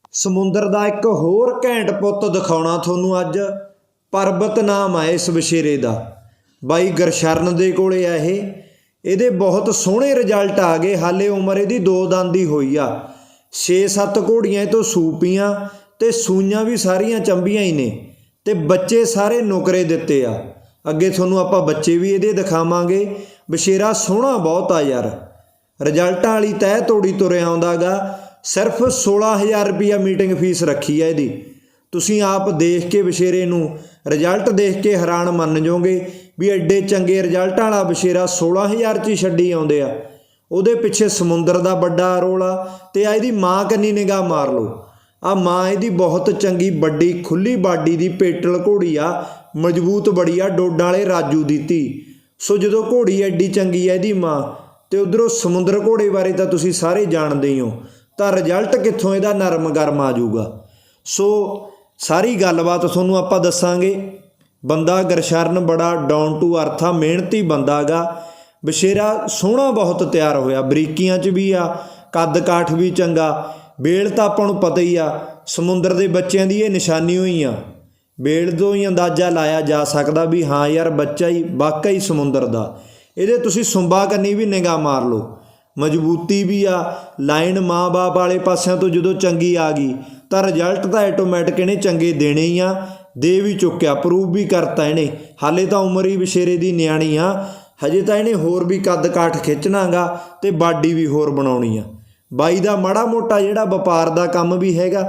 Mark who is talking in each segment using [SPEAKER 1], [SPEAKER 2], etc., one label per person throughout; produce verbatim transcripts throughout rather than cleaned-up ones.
[SPEAKER 1] ਸਮੁੰਦਰ ਦਾ ਇੱਕ ਹੋਰ ਘੈਂਟ ਪੁੱਤ ਦਿਖਾਉਣਾ ਤੁਹਾਨੂੰ ਅੱਜ। ਪਰਬਤ ਨਾਮ ਆ ਇਸ ਵਛੇਰੇ ਦਾ। ਬਾਈ ਗੁਰਸ਼ਰਨ ਦੇ ਕੋਲੇ ਆ ਇਹ। ਇਹਦੇ ਬਹੁਤ ਸੋਹਣੇ ਰਿਜ਼ਲਟ ਆ ਗਏ। ਹਾਲੇ ਉਮਰ ਇਹਦੀ ਦੋ ਦੰਦ ਦੀ ਹੋਈ ਆ। ਛੇ ਸੱਤ ਘੋੜੀਆਂ ਇਹ ਤੋਂ ਸੂਪੀਆਂ ਤੇ ਸੂਈਆਂ ਵੀ ਸਾਰੀਆਂ ਚੰਬੀਆਂ ਹੀ ਨੇ ਤੇ ਬੱਚੇ ਸਾਰੇ ਨੁਕਰੇ ਦਿੱਤੇ ਆ। ਅੱਗੇ ਤੁਹਾਨੂੰ ਆਪਾਂ ਬੱਚੇ ਵੀ ਇਹਦੇ ਦਿਖਾਵਾਂਗੇ। ਵਛੇਰਾ ਸੋਹਣਾ ਬਹੁਤ ਆ ਯਾਰ। ਰਿਜ਼ਲਟਾਂ ਵਾਲੀ ਤਹਿ ਤੋੜੀ ਤੁਰਿਆ ਆਉਂਦਾ ਗਾ। ਸਿਰਫ ਸੋਲਾਂ ਹਜ਼ਾਰ ਰੁਪਈਆ ਮੀਟਿੰਗ ਫੀਸ ਰੱਖੀ ਹੈ ਇਹਦੀ। ਤੁਸੀਂ ਆਪ ਦੇਖ ਕੇ ਵਛੇਰੇ ਨੂੰ ਰਿਜ਼ਲਟ ਦੇਖ ਕੇ ਹੈਰਾਨ ਮੰਨ ਜਾਓਗੇ ਵੀ ਐਡੇ ਚੰਗੇ ਰਿਜ਼ਲਟਾਂ ਵਾਲਾ ਵਛੇਰਾ ਸੋਲਾਂ ਹਜ਼ਾਰ 'ਚ ਹੀ ਛੱਡੀ ਆਉਂਦੇ ਆ। ਉਹਦੇ ਪਿੱਛੇ ਸਮੁੰਦਰ ਦਾ ਵੱਡਾ ਰੋਲ ਆ। ਤੇ ਆ ਇਹਦੀ ਮਾਂ ਕੰਨੀ ਨਿਗਾਹ ਮਾਰ ਲਓ। ਆ ਮਾਂ ਇਹਦੀ ਬਹੁਤ ਚੰਗੀ ਵੱਡੀ ਖੁੱਲੀ ਬਾਡੀ ਦੀ ਪੇਟਲ ਘੋੜੀ ਆ। ਮਜ਼ਬੂਤ ਬੜੀ ਆ। ਡੋਡਾਂ ਵਾਲੇ ਰਾਜੂ ਦੀ ਧੀ। ਸੋ ਜਦੋਂ ਘੋੜੀ ਐਡੀ ਚੰਗੀ ਆ ਇਹਦੀ ਮਾਂ ਤੇ ਉਧਰੋਂ ਸਮੁੰਦਰ ਘੋੜੇ ਬਾਰੇ ਤਾਂ ਤੁਸੀਂ ਸਾਰੇ ਜਾਣਦੇ ਹੀ ਹੋ, ਤਾਂ ਰਿਜ਼ਲਟ ਕਿੱਥੋਂ ਇਹਦਾ ਨਰਮ ਗਰਮ ਆ ਜਾਊਗਾ। ਸੋ ਸਾਰੀ ਗੱਲਬਾਤ ਤੁਹਾਨੂੰ ਆਪਾਂ ਦੱਸਾਂਗੇ। ਬੰਦਾ ਗੁਰਸ਼ਰਨ ਬੜਾ ਡਾਊਨ ਟੂ ਅਰਥ ਆ, ਮਿਹਨਤੀ ਬੰਦਾ ਗਾ। ਵਛੇਰਾ ਸੋਹਣਾ ਬਹੁਤ ਤਿਆਰ ਹੋਇਆ। ਬਰੀਕੀਆਂ 'ਚ ਵੀ ਆ, ਕੱਦ ਕਾਠ ਵੀ ਚੰਗਾ। ਬੇਲ ਤਾਂ ਆਪਾਂ ਨੂੰ ਪਤਾ ਹੀ ਆ, ਸਮੁੰਦਰ ਦੇ ਬੱਚਿਆਂ ਦੀ ਇਹ ਨਿਸ਼ਾਨੀ ਹੋਈ ਆ। ਬੇਲ ਤੋਂ ਹੀ ਅੰਦਾਜ਼ਾ ਲਾਇਆ ਜਾ ਸਕਦਾ ਵੀ ਹਾਂ ਯਾਰ ਬੱਚਾ ਹੀ ਵਾਕਈ ਹੀ ਸਮੁੰਦਰ ਦਾ। ਇਹਦੇ ਤੁਸੀਂ ਸੁੰਬਾ ਕੰਨੀ ਵੀ ਨਿਗਾਹ ਮਾਰ ਲਓ। ਮਜ਼ਬੂਤੀ ਵੀ ਆ। ਲਾਈਨ ਮਾਂ ਬਾਪ ਵਾਲੇ ਪਾਸਿਆਂ ਤੋਂ ਜਦੋਂ ਚੰਗੀ ਆ ਗਈ ਤਾਂ ਰਿਜ਼ਲਟ ਤਾਂ ਆਟੋਮੈਟਿਕ ਇਹਨੇ ਚੰਗੇ ਦੇਣੇ ਹੀ ਆ। ਦੇ ਵੀ ਚੁੱਕਿਆ, ਪ੍ਰੂਵ ਵੀ ਕਰਤਾ ਇਹਨੇ। ਹਾਲੇ ਤਾਂ ਉਮਰ ਹੀ ਵਛੇਰੇ ਦੀ ਨਿਆਣੀ ਆ। ਹਜੇ ਤਾਂ ਇਹਨੇ ਹੋਰ ਵੀ ਕੱਦ ਕਾਠ ਖਿੱਚਣਾ ਗਾ ਤੇ ਬਾਡੀ ਵੀ ਹੋਰ ਬਣਾਉਣੀ ਆ। ਬਾਈ ਦਾ ਮਾੜਾ ਮੋਟਾ ਜਿਹੜਾ ਵਪਾਰ ਦਾ ਕੰਮ ਵੀ ਹੈਗਾ।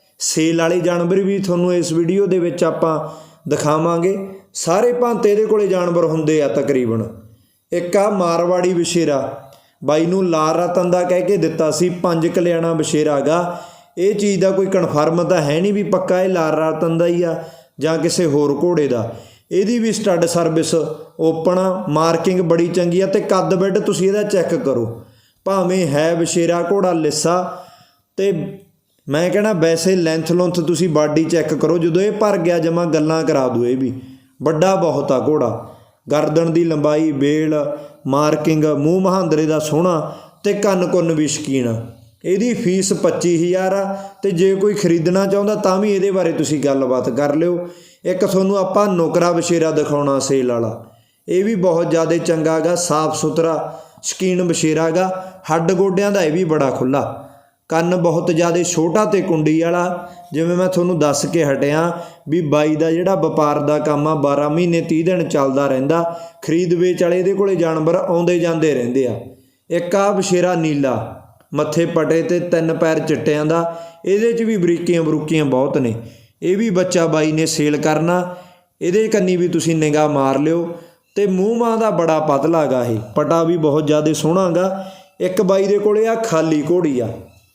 [SPEAKER 1] ਸੇਲ ਵਾਲੇ ਜਾਨਵਰ ਵੀ ਤੁਹਾਨੂੰ ਇਸ ਵੀਡੀਓ ਦੇ ਵਿੱਚ ਆਪਾਂ ਦਿਖਾਵਾਂਗੇ। ਸਾਰੇ ਭਾਂਤੇ ਇਹਦੇ ਕੋਲੇ ਜਾਨਵਰ ਹੁੰਦੇ ਆ ਤਕਰੀਬਨ। ਇੱਕ ਆ ਮਾਰਵਾੜੀ ਵਛੇਰਾ, ਬਾਈ ਨੂੰ ਲਾਲ ਰਤਨ ਦਾ ਕਹਿ ਕੇ ਦਿੱਤਾ ਸੀ। ਪੰਜ ਕਲਿਆਣਾ ਵਛੇਰਾ ਗਾ। ਇਹ ਚੀਜ਼ ਦਾ ਕੋਈ ਕਨਫਰਮ ਤਾਂ ਹੈ ਨਹੀਂ ਵੀ ਪੱਕਾ ਇਹ ਲਾਲ ਰਤਨ ਦਾ ਹੀ ਆ ਜਾਂ ਕਿਸੇ ਹੋਰ ਘੋੜੇ ਦਾ। ਇਹਦੀ ਵੀ ਸਟੱਡ ਸਰਵਿਸ ਓਪਨ ਆ। ਮਾਰਕਿੰਗ ਬੜੀ ਚੰਗੀ ਆ ਤੇ ਕੱਦ ਬੈੱਡ ਤੁਸੀਂ ਇਹਦਾ ਚੈੱਕ ਕਰੋ। ਭਾਵੇਂ ਹੈ ਵਛੇਰਾ ਘੋੜਾ ਲਿੱਸਾ ਤੇ ਮੈਂ ਕਹਿਣਾ ਵੈਸੇ ਲੈਂਥ ਲੁੰਥ ਤੁਸੀਂ ਬਾਡੀ ਚੈੱਕ ਕਰੋ। ਜਦੋਂ ਇਹ ਭਰ ਗਿਆ ਜਮਾ ਗੱਲਾਂ ਕਰਾ ਦੂ। ਇਹ ਵੀ ਵੱਡਾ ਬਹੁਤ ਆ ਘੋੜਾ। ਗਰਦਨ ਦੀ ਲੰਬਾਈ, ਬੇਲ, ਮਾਰਕਿੰਗ, ਮੂੰਹ ਮਹਾਂਦਰੇ ਦਾ ਸੋਹਣਾ ਤੇ ਕੰਨ ਕੁੰਨ ਵੀ ਸ਼ਕੀਨ ਆ। ਇਹਦੀ ਫੀਸ ਪੱਚੀ ਹਜ਼ਾਰ ਆ ਤੇ ਜੇ ਕੋਈ ਖਰੀਦਣਾ ਚਾਹੁੰਦਾ ਤਾਂ ਵੀ ਇਹਦੇ ਬਾਰੇ ਤੁਸੀਂ ਗੱਲਬਾਤ ਕਰ ਲਿਓ। ਇੱਕ ਤੁਹਾਨੂੰ ਆਪਾਂ ਨੁਕਰਾ ਵਛੇਰਾ ਦਿਖਾਉਣਾ ਸੇਲ ਵਾਲਾ। ਇਹ ਵੀ ਬਹੁਤ ਜ਼ਿਆਦਾ ਚੰਗਾ ਗਾ। ਸਾਫ ਸੁਥਰਾ ਸ਼ਕੀਨ ਵਛੇਰਾ ਗਾ। ਹੱਡ ਗੋਡਿਆਂ ਦਾ ਇਹ ਵੀ ਬੜਾ ਖੁੱਲ੍ਹਾ। ਕੰਨ ਬਹੁਤ ਜ਼ਿਆਦਾ ਛੋਟਾ ਤੇ ਕੁੰਡੀ ਵਾਲਾ। ਜਿਵੇਂ ਮੈਂ ਤੁਹਾਨੂੰ ਦੱਸ ਕੇ ਹਟਿਆ ਵੀ ਬਾਈ ਦਾ ਜਿਹੜਾ ਵਪਾਰ ਦਾ ਕੰਮ ਆ ਬਾਰਾਂ ਮਹੀਨੇ ਤੀਹ ਦਿਨ ਚੱਲਦਾ ਰਹਿੰਦਾ। ਖਰੀਦ ਵੇਚ ਵਾਲੇ ਇਹਦੇ ਕੋਲੇ ਜਾਨਵਰ ਆਉਂਦੇ ਜਾਂਦੇ ਰਹਿੰਦੇ ਆ। ਇੱਕ ਆ ਵਛੇਰਾ ਨੀਲਾ, ਮੱਥੇ ਪਟੇ ਤੇ ਤਿੰਨ ਪੈਰ ਚਿੱਟਿਆਂ ਦਾ। ਇਹਦੇ 'ਚ ਵੀ ਬਰੀਕੀਆਂ ਬਰੂਕੀਆਂ ਬਹੁਤ ਨੇ। ਇਹ ਵੀ ਬੱਚਾ ਬਾਈ ਨੇ ਸੇਲ ਕਰਨਾ। ਇਹਦੇ ਕੰਨੀ ਵੀ ਤੁਸੀਂ ਨਿਗਾਹ ਮਾਰ ਲਿਓ। ਤੇ ਮੂੰਹ ਮਾਂ ਦਾ ਬੜਾ ਪਤਲਾ ਗਾ। ਇਹ ਪਟਾ ਵੀ ਬਹੁਤ ਜ਼ਿਆਦਾ ਸੋਹਣਾ ਗਾ। ਇੱਕ ਬਾਈ ਦੇ ਕੋਲੇ ਆ ਖਾਲੀ ਘੋੜੀ ਆ।